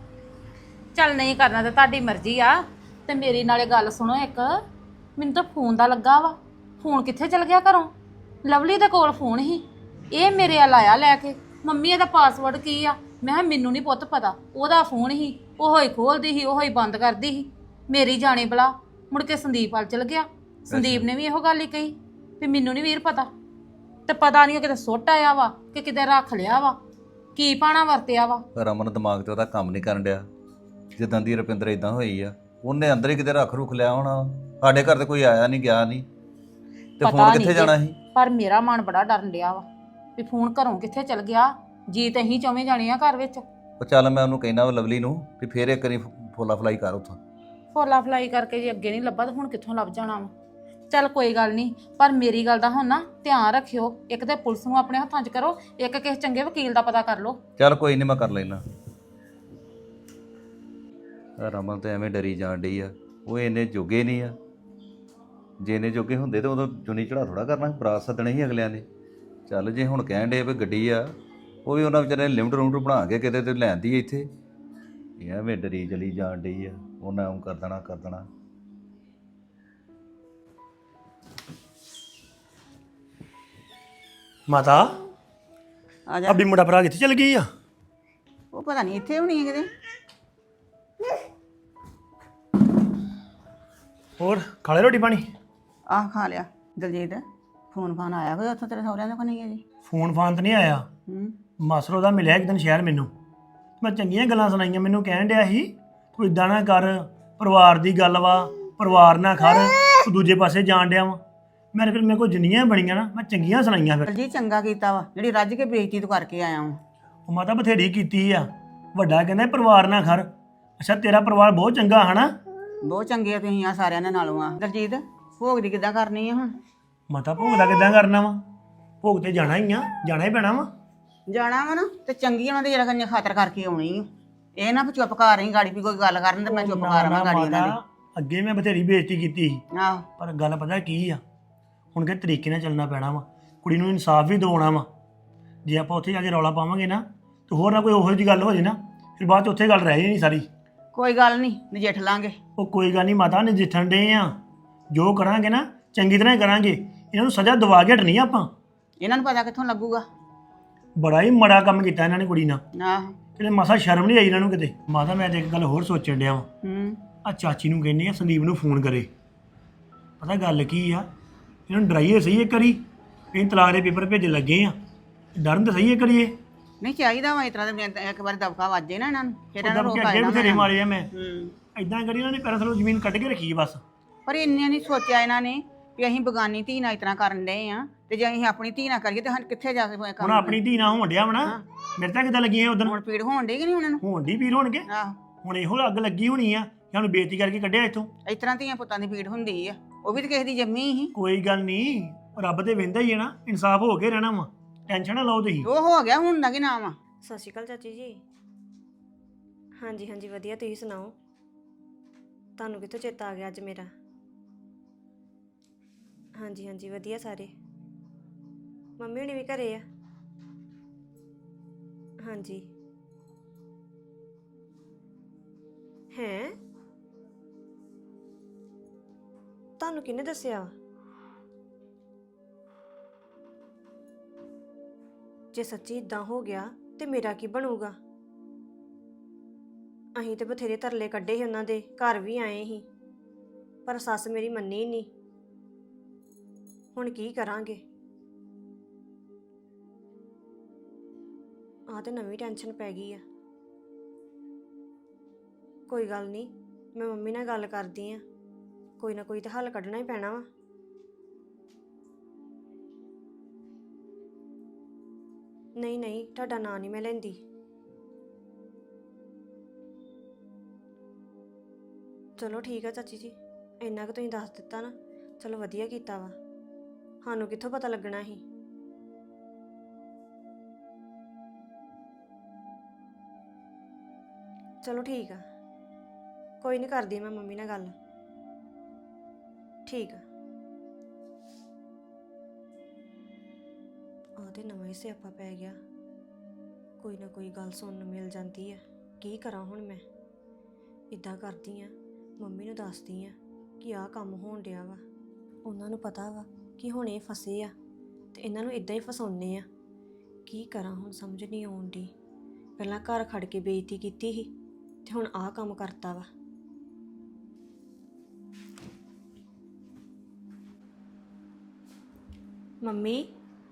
ਚੱਲ ਨਹੀਂ ਕਰਨਾ ਤੇ ਤੁਹਾਡੀ ਮਰਜ਼ੀ ਆ। ਤੇ ਮੇਰੀ ਨਾਲੇ ਗੱਲ ਸੁਣੋ ਇੱਕ, ਮੈਨੂੰ ਤਾਂ ਫੋਨ ਦਾ ਲੱਗਾ ਵਾ। ਫੋਨ ਕਿੱਥੇ ਚਲ ਗਿਆ ਘਰੋਂ? ਲਵਲੀ ਦੇ ਕੋਲ ਫੋਨ ਸੀ, ਇਹ ਮੇਰੇ ਵੱਲ ਆਇਆ ਲੈ ਕੇ। ਮੰਮੀ ਇਹਦਾ ਪਾਸਵਰਡ ਕੀ ਆ? ਮੈਂ ਕਿਹਾ ਮੈਨੂੰ ਨਹੀਂ ਪੁੱਤ ਪਤਾ। ਉਹਦਾ ਫੋਨ ਸੀ, ਉਹੋ ਹੀ ਖੋਲਦੀ ਸੀ, ਉਹੋ ਹੀ ਬੰਦ ਕਰਦੀ ਸੀ। ਮੇਰੀ ਜਾਣੇ ਬਲਾ ਮੁੜ ਕੇ ਸੰਦੀਪ ਵੱਲ ਚਲ ਗਿਆ। ਸੰਦੀਪ ਨੇ ਵੀ ਇਹੋ ਗੱਲ ਹੀ ਕਹੀ ਵੀ ਮੈਨੂੰ ਨਹੀਂ ਵੀਰ ਪਤਾ। ਤੇ ਪਤਾ ਨਹੀਂ ਉਹ ਕਿਤੇ ਸੁੱਟ ਆਇਆ ਵਾ ਕਿ ਕਿਤੇ ਰੱਖ ਲਿਆ ਵਾ, ਕੀ ਪਾਣਾ ਵਰਤਿਆ ਵਾ। ਰਮਨ ਦਿਮਾਗ ਤੇ ਉਹਦਾ ਕੰਮ ਨਹੀਂ ਕਰਨ ਡਿਆ। ਜਿੱਦਾਂ ਦੀ ਰੁਪਿੰਦਰ ਇਦਾਂ ਹੋਈ ਆ, ਉਹਨੇ ਅੰਦਰ ਹੀ ਕਿਤੇ ਰੱਖ ਰੁਖ ਲਿਆ ਹੋਣਾ। ਸਾਡੇ ਘਰ ਤੇ ਕੋਈ ਆਇਆ ਨਹੀਂ ਗਿਆ ਨਹੀਂ ਤੇ ਫੋਨ ਕਿੱਥੇ ਜਾਣਾ ਸੀ? ਪਰ ਮੇਰਾ ਮਨ ਬੜਾ ਡਰਨ ਡਿਆ ਵਾ ਵੀ ਫੋਨ ਘਰੋਂ ਕਿੱਥੇ ਚਲ ਗਿਆ। ਜੀ ਤੇ ਅਸੀਂ ਚੌਵੇਂ ਜਾਣੇ ਆ ਘਰ ਵਿੱਚ। ਉਹ ਚੱਲ ਮੈਂ ਉਹਨੂੰ ਕਹਿਣਾ ਵਾ ਲਵਲੀ ਨੂੰ ਵੀ ਫੇਰ ਇੱਕ ਵਾਰੀ ਫੋਲਾ ਫਲਾਈ ਕਰ ਉੱਥੋਂ। ਫੋਲਾ ਫਲਾਈ ਕਰਕੇ ਜੇ ਅੱਗੇ ਨਹੀਂ ਲੱਭਾ ਤਾਂ ਹੁਣ ਕਿੱਥੋਂ ਲੱਭ ਜਾਣਾ ਵਾ। ਚੱਲ ਕੋਈ ਗੱਲ ਨਹੀਂ, ਪਰ ਮੇਰੀ ਗੱਲ ਦਾ ਹੁਣ ਨਾ ਧਿਆਨ ਰੱਖਿਓ। ਇੱਕ ਤੇ ਪੁਲਿਸ ਨੂੰ ਆਪਣੇ ਹੱਥਾਂ 'ਚ ਕਰੋ, ਇੱਕ ਕਿਸੇ ਚੰਗੇ ਵਕੀਲ ਦਾ ਪਤਾ ਕਰ ਲਓ। ਚੱਲ ਕੋਈ ਨਹੀਂ, ਮੈਂ ਕਰ ਲੈਣਾ। ਰਮਨ ਤੇ ਐਵੇਂ ਡਰੀ ਜਾਣ ਡਈ ਆ। ਉਹ ਇੰਨੇ ਜੋਗੇ ਨਹੀਂ ਆ। ਜੇ ਇੰਨੇ ਜੋਗੇ ਹੁੰਦੇ ਤਾਂ ਉਦੋਂ ਚੁੰਨੀ ਚੜਾ ਥੋੜਾ ਕਰਨਾ, ਬਰਾਤ ਸੱਦਣੀ ਸੀ ਅਗਲਿਆਂ ਨੇ। ਚੱਲ ਜੇ ਹੁਣ ਕਹਿਣ ਡੇ ਵੀ ਗੱਡੀ ਆ, ਉਹ ਵੀ ਉਹਨਾਂ ਵਿਚਾਰੇ ਨੇ ਲਿਮਟ ਰੂਮਟ ਬਣਾ ਕੇ ਕਿਤੇ ਤੇ ਲੈਂਦੀ ਇੱਥੇ। ਇਹ ਐਵੇਂ ਡਰੀ ਚਲੀ ਜਾਣ ਡਈ ਆ। ਉਹਨਾਂ ਨੂੰ ਕਰ ਦੇਣਾ ਕਰ ਦੇਣਾ। ਮਾਤਾ ਆ ਜਾ। ਅਭੀ ਮੁੰਡਾ ਭਰਾ ਕਿੱਥੇ ਚਲ ਗਈ ਆ? ਉਹ ਪਤਾ ਨਹੀਂ ਇੱਥੇ ਹੋਣੀ ਹੈ ਕਿਤੇ। ਹੋਰ ਖਾ ਲਿਆ ਰੋਟੀ ਪਾਣੀ? ਆਹ ਖਾ ਲਿਆ। ਦਲਜੀਤ ਫੋਨ ਫਾਨ ਆਇਆ ਕੋਈ ਉੱਥੋਂ ਤੇਰੇ ਸਹੁਰਿਆਂ ਦਾ ਕੋਈ ਨਹੀਂ ਹੈ ਜੀ? ਫੋਨ ਫਾਨ ਤਾਂ ਨਹੀਂ ਆਇਆ। ਮਾਸਰੋ ਦਾ ਮਿਲਿਆ ਇੱਕ ਦਿਨ ਸ਼ਹਿਰ ਮੈਨੂੰ। ਮੈਂ ਚੰਗੀਆਂ ਗੱਲਾਂ ਸੁਣਾਈਆਂ, ਮੈਨੂੰ ਕਹਿਣ ਡਿਆ ਸੀ ਤੂੰ ਇਦਾਂ ਨਾ ਕਰ, ਪਰਿਵਾਰ ਦੀ ਗੱਲ ਵਾ, ਪਰਿਵਾਰ ਨਾ ਖੜ, ਤੂੰ ਦੂਜੇ ਪਾਸੇ ਜਾਣ ਡਿਆ ਵਾ। ਮੈਂ ਫਿਰ ਮੇਰੇ ਕੋਲ ਜਿੰਨੀਆਂ ਬਣੀਆਂ ਨਾ ਮੈਂ ਚੰਗੀਆਂ ਸੁਣਾਈਆਂ। ਫਿਰ ਦਲਜੀਤ ਚੰਗਾ ਕੀਤਾ ਵਾ ਜਿਹੜੀ ਰੱਜ ਕੇ ਬੇਇੱਜ਼ਤੀ ਤੂੰ ਕਰਕੇ ਆਇਆ ਵਾ। ਉਹ ਮਾਤਾ ਬਥੇਰੀ ਕੀਤੀ ਆ। ਵੱਡਾ ਕਹਿੰਦਾ ਪਰਿਵਾਰ ਨਾ ਖੜ। ਅੱਛਾ ਤੇਰਾ ਪਰਿਵਾਰ ਬਹੁਤ ਚੰਗਾ ਹਨਾ? ਬਹੁਤ ਚੰਗੇ ਆ ਤੁਸੀਂ ਆ ਸਾਰਿਆਂ ਦੇ ਨਾਲੋਂ ਆ। ਦਲਜੀਤ ਭੋਗ ਦੀ ਕਿੱਦਾਂ ਕਰਨੀ ਆ ਹੁਣ? ਮਾਤਾ ਭੋਗ ਦਾ ਕਿੱਦਾਂ ਕਰਨਾ ਵਾ? ਭੋਗ ਤੇ ਜਾਣਾ ਹੀ ਆ, ਜਾਣਾ ਹੀ ਪੈਣਾ ਵਾ। ਜਾਣਾ ਵਾ ਨਾ ਤੇ ਚੰਗੀ ਉਹਨਾਂ ਦੀ ਜਰਾ ਕੰਨੇ ਖਾਤਰ ਕਰਕੇ ਆਉਣੀ ਆ। ਇਹ ਨਾ ਚੁੱਪ ਕਰ ਰਹੀ ਗਾੜੀ ਵੀ ਕੋਈ ਗੱਲ ਕਰਨ ਤੇ ਮੈਂ ਚੁੱਪ ਕਰ ਰਵਾਂ ਗਾੜੀ ਉਹਨਾਂ ਦੀ। ਅੱਗੇ ਮੈਂ ਬਥੇਰੀ ਬੇਇੱਜ਼ਤੀ ਕੀਤੀ ਸੀ, ਆਹੋ ਪਰ ਗੱਲ ਪਤਾ ਕੀ ਆ, ਹੁਣ ਕਿ ਤਰੀਕੇ ਨਾਲ ਚੱਲਣਾ ਪੈਣਾ ਵਾ, ਕੁੜੀ ਨੂੰ ਇਨਸਾਫ ਵੀ ਦਿਵਾਉਣਾ ਵਾ। ਜੇ ਆਪਾਂ ਉੱਥੇ ਜਾ ਕੇ ਰੌਲਾ ਪਾਵਾਂਗੇ ਨਾ ਤੇ ਹੋਰ ਨਾ ਕੋਈ ਉਹੋ ਜਿਹੀ ਗੱਲ ਹੋ ਜੇ ਨਾ, ਫਿਰ ਬਾਅਦ 'ਚ ਉੱਥੇ ਗੱਲ ਰਹਿ ਜਾਣੀ ਸਾਰੀ। ਕੋਈ ਗੱਲ ਨਹੀਂ, ਨਜਿੱਠ ਲਾਂਗੇ। ਉਹ ਕੋਈ ਗੱਲ ਨਹੀਂ ਮਾਤਾ, ਨਜਿੱਠਣ ਡੇ ਆ, ਜੋ ਕਰਾਂਗੇ ਨਾ ਚੰਗੀ ਤਰ੍ਹਾਂ ਹੀ ਕਰਾਂਗੇ। ਇਹਨਾਂ ਨੂੰ ਸਜ਼ਾ ਦਵਾ ਕੇ ਹਟਣੀ ਆ ਆਪਾਂ। ਇਹਨਾਂ ਨੂੰ ਪਤਾ ਕਿੱਥੋਂ ਲੱਗੂਗਾ। ਬੜਾ ਹੀ ਮਾੜਾ ਕੰਮ ਕੀਤਾ ਇਹਨਾਂ ਨੇ ਕੁੜੀ ਨਾਲ। ਆਹੋ। ਕਿਤੇ ਮਸਾ ਸ਼ਰਮ ਨਹੀਂ ਆਈ ਇਹਨਾਂ ਨੂੰ ਕਿਤੇ। ਮਾਤਾ ਮੈਂ ਤੇ ਇੱਕ ਗੱਲ ਹੋਰ ਸੋਚਣ ਡਿਆ ਵਾਂ, ਆ ਚਾਚੀ ਨੂੰ ਕਹਿੰਦੇ ਆ ਸੰਦੀਪ ਨੂੰ ਫੋਨ ਕਰੇ। ਪਤਾ ਗੱਲ ਕੀ ਆ, ਇਹਨਾਂ ਨੂੰ ਡਰਾਈਏ ਸਹੀ ਇੱਕ ਵਾਰੀ, ਇਹ ਤਲਾਕ ਦੇ ਪੇਪਰ ਭੇਜਣ ਲੱਗੇ ਆ, ਡਰਨ ਤਾਂ ਸਹੀ ਇੱਕ ਵਾਰੀ। ਇਹ ਨਹੀਂ ਚਾਹੀਦਾ ਵਾ ਇਸ ਤਰ੍ਹਾਂ ਦੇ, ਇੱਕ ਵਾਰ ਦਬਕਾ ਵੱਜੇ ਨਾ ਇਹਨਾਂ ਨੂੰ, ਫਿਰ ਇਹਨਾਂ ਨੂੰ ਰੋਕ ਅੱਗੇ ਬਥੇਰੇ ਮਾਰੇ ਆ ਮੈਂ। ਹੂੰ। ਇਦਾਂ ਕਰੀ ਇਹਨਾਂ ਨੇ ਪੈਰਾਂ ਥੱਲੋਂ ਜ਼ਮੀਨ ਕੱਢ ਕੇ ਰੱਖੀ ਆ ਬਸ। ਪਰ ਇੰਨੇ ਨਹੀਂ ਸੋਚਿਆ ਇਹਨਾਂ ਨੇ ਵੀ ਅਸੀਂ ਬਗਾਨੀ ਧੀ ਨਾਲ ਇਸ ਤਰ੍ਹਾਂ ਕਰਨ ਡਏ ਆ, ਤੇ ਜੇ ਅਸੀਂ ਆਪਣੀ ਧੀ ਨਾਲ ਕਰੀਏ ਤੇ ਸਾਨੂੰ ਕਿੱਥੇ ਜਾ ਕੇ ਹੁਣ ਕੰਮ। ਆਪਣੀ ਧੀ ਨਾਲ ਹੋਣ ਡਿਆ ਵਣਾ, ਮੇਰੇ ਤਾਂ ਕਿੱਦਾਂ ਲੱਗੀਆਂ ਉਦੋਂ ਹੁਣ ਪੀੜ ਹੋਣ ਡਈ ਕਿ ਨਹੀਂ ਉਹਨਾਂ ਨੂੰ? ਹੋਣ ਦੀ ਪੀਰ ਹੋਣਗੇ। ਆਹੋ। ਹੁਣ ਇਹੋ ਅੱਗ ਲੱਗੀ ਹੋਣੀ ਆ, ਸਾਨੂੰ ਬੇਇੱਜ਼ਤੀ ਕਰਕੇ ਕੱਢਿਆ ਇੱਥੋਂ। ਇਸ ਤਰ੍ਹਾਂ ਧੀਆਂ ਪੁੱਤਾਂ ਦੀ ਪੀੜ ਹੁੰਦੀ ਆ, ਉਹ ਵੀ ਤਾਂ ਕਿਸੇ ਦੀ ਜੰਮੀ ਹੀ। ਕੋਈ ਗੱਲ ਨਹੀਂ, ਰੱਬ ਤੇ ਵਹਿੰਦਾ ਹੀ ਹੈ ਨਾ, ਇਨਸਾਫ ਹੋ ਕੇ ਰਹਿਣਾ ਵਾ, ਟੈਨਸ਼ਨ ਨਾ ਲਓ ਤੁਸੀਂ। ਉਹ ਹੋ ਗਿਆ, ਹੁਣ ਦਾ ਕੀ ਨਾਮ ਆ? ਸਤਿ ਸ਼੍ਰੀ ਅਕਾਲ ਚਾਚੀ ਜੀ। ਹਾਂਜੀ ਹਾਂਜੀ ਵਧੀਆ, ਤੁਸੀਂ ਸੁਣਾਓ? ਤੁਹਾਨੂੰ ਕਿੱਥੋਂ ਚੇਤਾ ਆ ਗਿਆ ਅੱਜ ਮੇਰਾ? ਹਾਂਜੀ ਹਾਂਜੀ ਵਧੀਆ ਸਾਰੇ। ਮੰਮੀ ਹੁਣੀ ਵੀ ਘਰੇ ਆ? ਹਾਂਜੀ। ਹੈਂ, ਤੁਹਾਨੂੰ ਕਿਹਨੇ ਦੱਸਿਆ? ਜੇ ਸੱਚੀ ਇਦਾਂ ਹੋ ਗਿਆ ਤੇ ਮੇਰਾ ਕੀ ਬਣੂਗਾ? ਅਸੀਂ ਤੇ ਬਥੇਰੇ ਤਰਲੇ ਕੱਢੇ ਸੀ, ਉਹਨਾਂ ਦੇ ਘਰ ਵੀ ਆਏ ਸੀ, ਪਰ ਸੱਸ ਮੇਰੀ ਮੰਨੀ ਨਹੀਂ। ਹੁਣ ਕੀ ਕਰਾਂਗੇ? ਆਹ ਤੇ ਨਵੀਂ ਟੈਨਸ਼ਨ ਪੈ ਗਈ ਆ। ਕੋਈ ਗੱਲ ਨਹੀਂ, ਮੈਂ ਮੰਮੀ ਨਾਲ ਗੱਲ ਕਰਦੀ ਆ, ਕੋਈ ਨਾ ਕੋਈ ਤਾਂ ਹੱਲ ਕੱਢਣਾ ਹੀ ਪੈਣਾ ਵਾ। ਨਹੀਂ ਨਹੀਂ, ਤੁਹਾਡਾ ਨਾਂ ਨਹੀਂ ਮੈਂ ਲੈਂਦੀ। ਚਲੋ ਠੀਕ ਆ ਚਾਚੀ ਜੀ, ਇੰਨਾ ਕੁ ਤੁਸੀਂ ਦੱਸ ਦਿੱਤਾ ਨਾ, ਚਲੋ ਵਧੀਆ ਕੀਤਾ ਵਾ। ਸਾਨੂੰ ਕਿੱਥੋਂ ਪਤਾ ਲੱਗਣਾ ਸੀ? ਚਲੋ ਠੀਕ ਆ, ਕੋਈ ਨਹੀਂ, ਕਰਦੀ ਮੈਂ ਮੰਮੀ ਨਾਲ ਗੱਲ। ਠੀਕ ਆ। ਆਦੇ ਨਵਾਂ ਹੀ ਸਿਆਪਾ ਪੈ ਗਿਆ, ਕੋਈ ਨਾ ਕੋਈ ਗੱਲ ਸੁਣਨ ਨੂੰ ਮਿਲ ਜਾਂਦੀ ਆ। ਕੀ ਕਰਾਂ ਹੁਣ ਮੈਂ? ਇੱਦਾਂ ਕਰਦੀ ਆ, ਮੰਮੀ ਨੂੰ ਦੱਸਦੀ ਆ ਕਿ ਆਹ ਕੰਮ ਹੋਣ ਡਿਆ ਵਾ। ਉਹਨਾਂ ਨੂੰ ਪਤਾ ਵਾ ਕਿ ਹੁਣ ਇਹ ਫਸੇ ਆ ਤੇ ਇਹਨਾਂ ਨੂੰ ਇਦਾਂ ਹੀ ਫਸਾਉਣੇ ਆ। ਕੀ ਕਰਾਂ ਹੁਣ, ਸਮਝ ਨਹੀਂ ਆਉਣ ਦੀ। ਪਹਿਲਾਂ ਘਰ ਖੜ ਕੇ ਬੇਇੱਜ਼ਤੀ ਕੀਤੀ ਸੀ ਤੇ ਹੁਣ ਆਹ ਕੰਮ ਕਰਤਾ ਵਾ। ਮੰਮੀ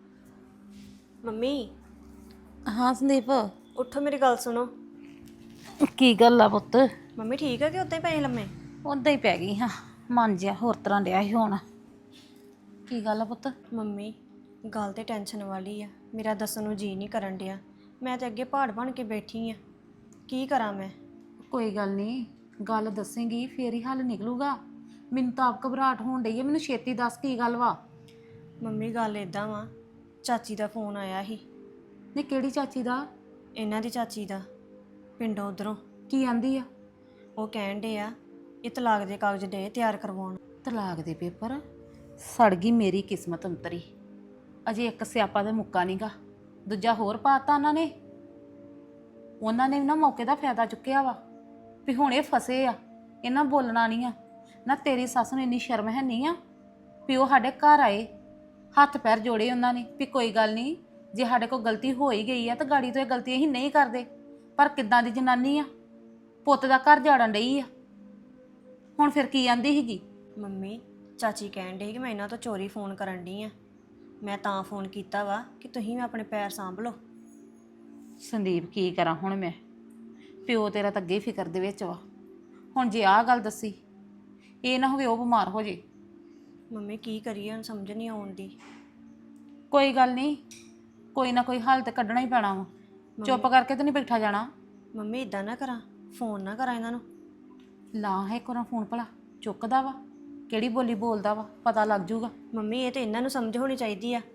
ਮੰਮੀ, ਹਾਂ ਸੰਦੀਪ, ਉੱਠੋ, ਮੇਰੀ ਗੱਲ ਸੁਣੋ। ਕੀ ਗੱਲ ਆ ਪੁੱਤ? ਮੰਮੀ ਠੀਕ ਆ ਕਿ ਉੱਦਾਂ ਹੀ ਪਏ ਲੰਮੇ? ਉਦਾਂ ਹੀ ਪੈ ਗਈ ਹਾਂ, ਮਨ ਜਿਹਾ ਹੋਰ ਤਰ੍ਹਾਂ ਡਿਆ ਸੀ ਹੁਣ। ਕੀ ਗੱਲ ਆ ਪੁੱਤ? ਮੰਮੀ ਗੱਲ ਤੇ ਟੈਨਸ਼ਨ ਵਾਲੀ ਆ, ਮੇਰਾ ਦੱਸਣ ਨੂੰ ਜੀ ਨਹੀਂ ਕਰਨ ਡਿਆ। ਮੈਂ ਤੇ ਅੱਗੇ ਪਹਾੜ ਬਣ ਕੇ ਬੈਠੀ ਆ, ਕੀ ਕਰਾਂ ਮੈਂ? ਕੋਈ ਗੱਲ ਨਹੀਂ, ਗੱਲ ਦੱਸੇਂਗੀ ਫੇਰ ਹੀ ਹੱਲ ਨਿਕਲੂਗਾ। ਮੈਨੂੰ ਤਾਂ ਆਪ ਘਬਰਾਹਟ ਹੋਣ ਡਈ ਹੈ, ਮੈਨੂੰ ਛੇਤੀ ਦੱਸ ਕੀ ਗੱਲ ਵਾ। ਮੰਮੀ ਗੱਲ ਇਦਾਂ ਵਾ, ਚਾਚੀ ਦਾ ਫੋਨ ਆਇਆ ਸੀ। ਨਹੀਂ, ਕਿਹੜੀ ਚਾਚੀ ਦਾ? ਇਹਨਾਂ ਦੀ ਚਾਚੀ ਦਾ, ਪਿੰਡੋਂ ਉਧਰੋਂ। ਕੀ ਆਂਦੀ ਆ? ਉਹ ਕਹਿਣ ਡੇ ਆ ਇਹ ਤਲਾਕ ਦੇ ਕਾਗਜ਼ ਦੇ ਤਿਆਰ ਕਰਵਾਉਣ। ਤਲਾਕ ਦੇ ਪੇਪਰ? ਸੜ ਗਈ ਮੇਰੀ ਕਿਸਮਤ ਅੰਤਰੀ। ਅਜੇ ਇੱਕ ਸਿਆਪਾ ਦਾ ਮੁੱਕਾ ਨਹੀਂਗਾ, ਦੂਜਾ ਹੋਰ ਪਾਤਾ ਉਹਨਾਂ ਨੇ ਵੀ ਨਾ ਮੌਕੇ ਦਾ ਫਾਇਦਾ ਚੁੱਕਿਆ ਵਾ ਵੀ ਹੁਣ ਇਹ ਫਸੇ ਆ, ਇਹਨਾਂ ਬੋਲਣਾ ਨਹੀਂ ਆ। ਨਾ ਤੇਰੀ ਸੱਸ ਨੂੰ ਇੰਨੀ ਸ਼ਰਮ ਹੈ ਨਹੀਂ ਆ ਵੀ ਉਹ ਸਾਡੇ ਘਰ ਆਏ, ਹੱਥ ਪੈਰ ਜੋੜੇ ਉਹਨਾਂ ਨੇ ਵੀ ਕੋਈ ਗੱਲ ਨਹੀਂ, ਜੇ ਸਾਡੇ ਕੋਲ ਗਲਤੀ ਹੋ ਹੀ ਗਈ ਆ ਤਾਂ ਗਾੜੀ ਤੋਂ ਇਹ ਗਲਤੀ ਅਸੀਂ ਨਹੀਂ ਕਰਦੇ। ਪਰ ਕਿੱਦਾਂ ਦੀ ਜਨਾਨੀ ਆ, ਪੁੱਤ ਦਾ ਘਰ ਜਾੜਨ ਡਈ ਆ। ਹੁਣ ਫਿਰ ਕੀ ਆਂਦੀ ਸੀਗੀ? ਮੰਮੀ ਚਾਚੀ ਕਹਿਣ ਡੇ ਕਿ ਮੈਂ ਇਹਨਾਂ ਤੋਂ ਚੋਰੀ ਫੋਨ ਕਰਨ ਡਈ ਆ। ਮੈਂ ਤਾਂ ਫੋਨ ਕੀਤਾ ਵਾ ਕਿ ਤੁਸੀਂ ਵੀ ਆਪਣੇ ਪੈਰ ਸਾਂਭ ਲਓ। ਸੰਦੀਪ ਕੀ ਕਰਾਂ ਹੁਣ ਮੈਂ? ਪਿਓ ਤੇਰਾ ਤਾਂ ਅੱਗੇ ਫਿਕਰ ਦੇ ਵਿੱਚ ਵਾ। ਹੁਣ ਜੇ ਆਹ ਗੱਲ ਦੱਸੀ, ਇਹ ਨਾ ਹੋਵੇ ਉਹ ਬਿਮਾਰ ਹੋ ਜੇ। ਮੰਮੀ ਕੀ ਕਰੀਏ ਹੁਣ, ਸਮਝ ਨਹੀਂ ਆਉਂਦੀ। ਕੋਈ ਗੱਲ ਨਹੀਂ, ਕੋਈ ਨਾ ਕੋਈ ਹੱਲ ਤੇ ਕੱਢਣਾ ਹੀ ਪੈਣਾ ਵਾ। ਚੁੱਪ ਕਰਕੇ ਤਾਂ ਨਹੀਂ ਬੈਠਾ ਜਾਣਾ। ਮੰਮੀ ਇਦਾਂ ਨਾ ਕਰਾਂ, ਫੋਨ ਨਾ ਕਰਾਂ ਇਹਨਾਂ ਨੂੰ। ਲਾ ਹੈ ਕੋਨਾ ਫੋਨ, ਭਲਾ ਚੁੱਕਦਾ ਵਾ? ਕਿਹੜੀ ਬੋਲੀ ਬੋਲਦਾ ਵਾ, ਪਤਾ ਲੱਗ ਜੂਗਾ। ਮੰਮੀ ਇਹ ਤੇ ਇਹਨਾਂ ਨੂੰ ਸਮਝ ਹੋਣੀ ਚਾਹੀਦੀ ਆ।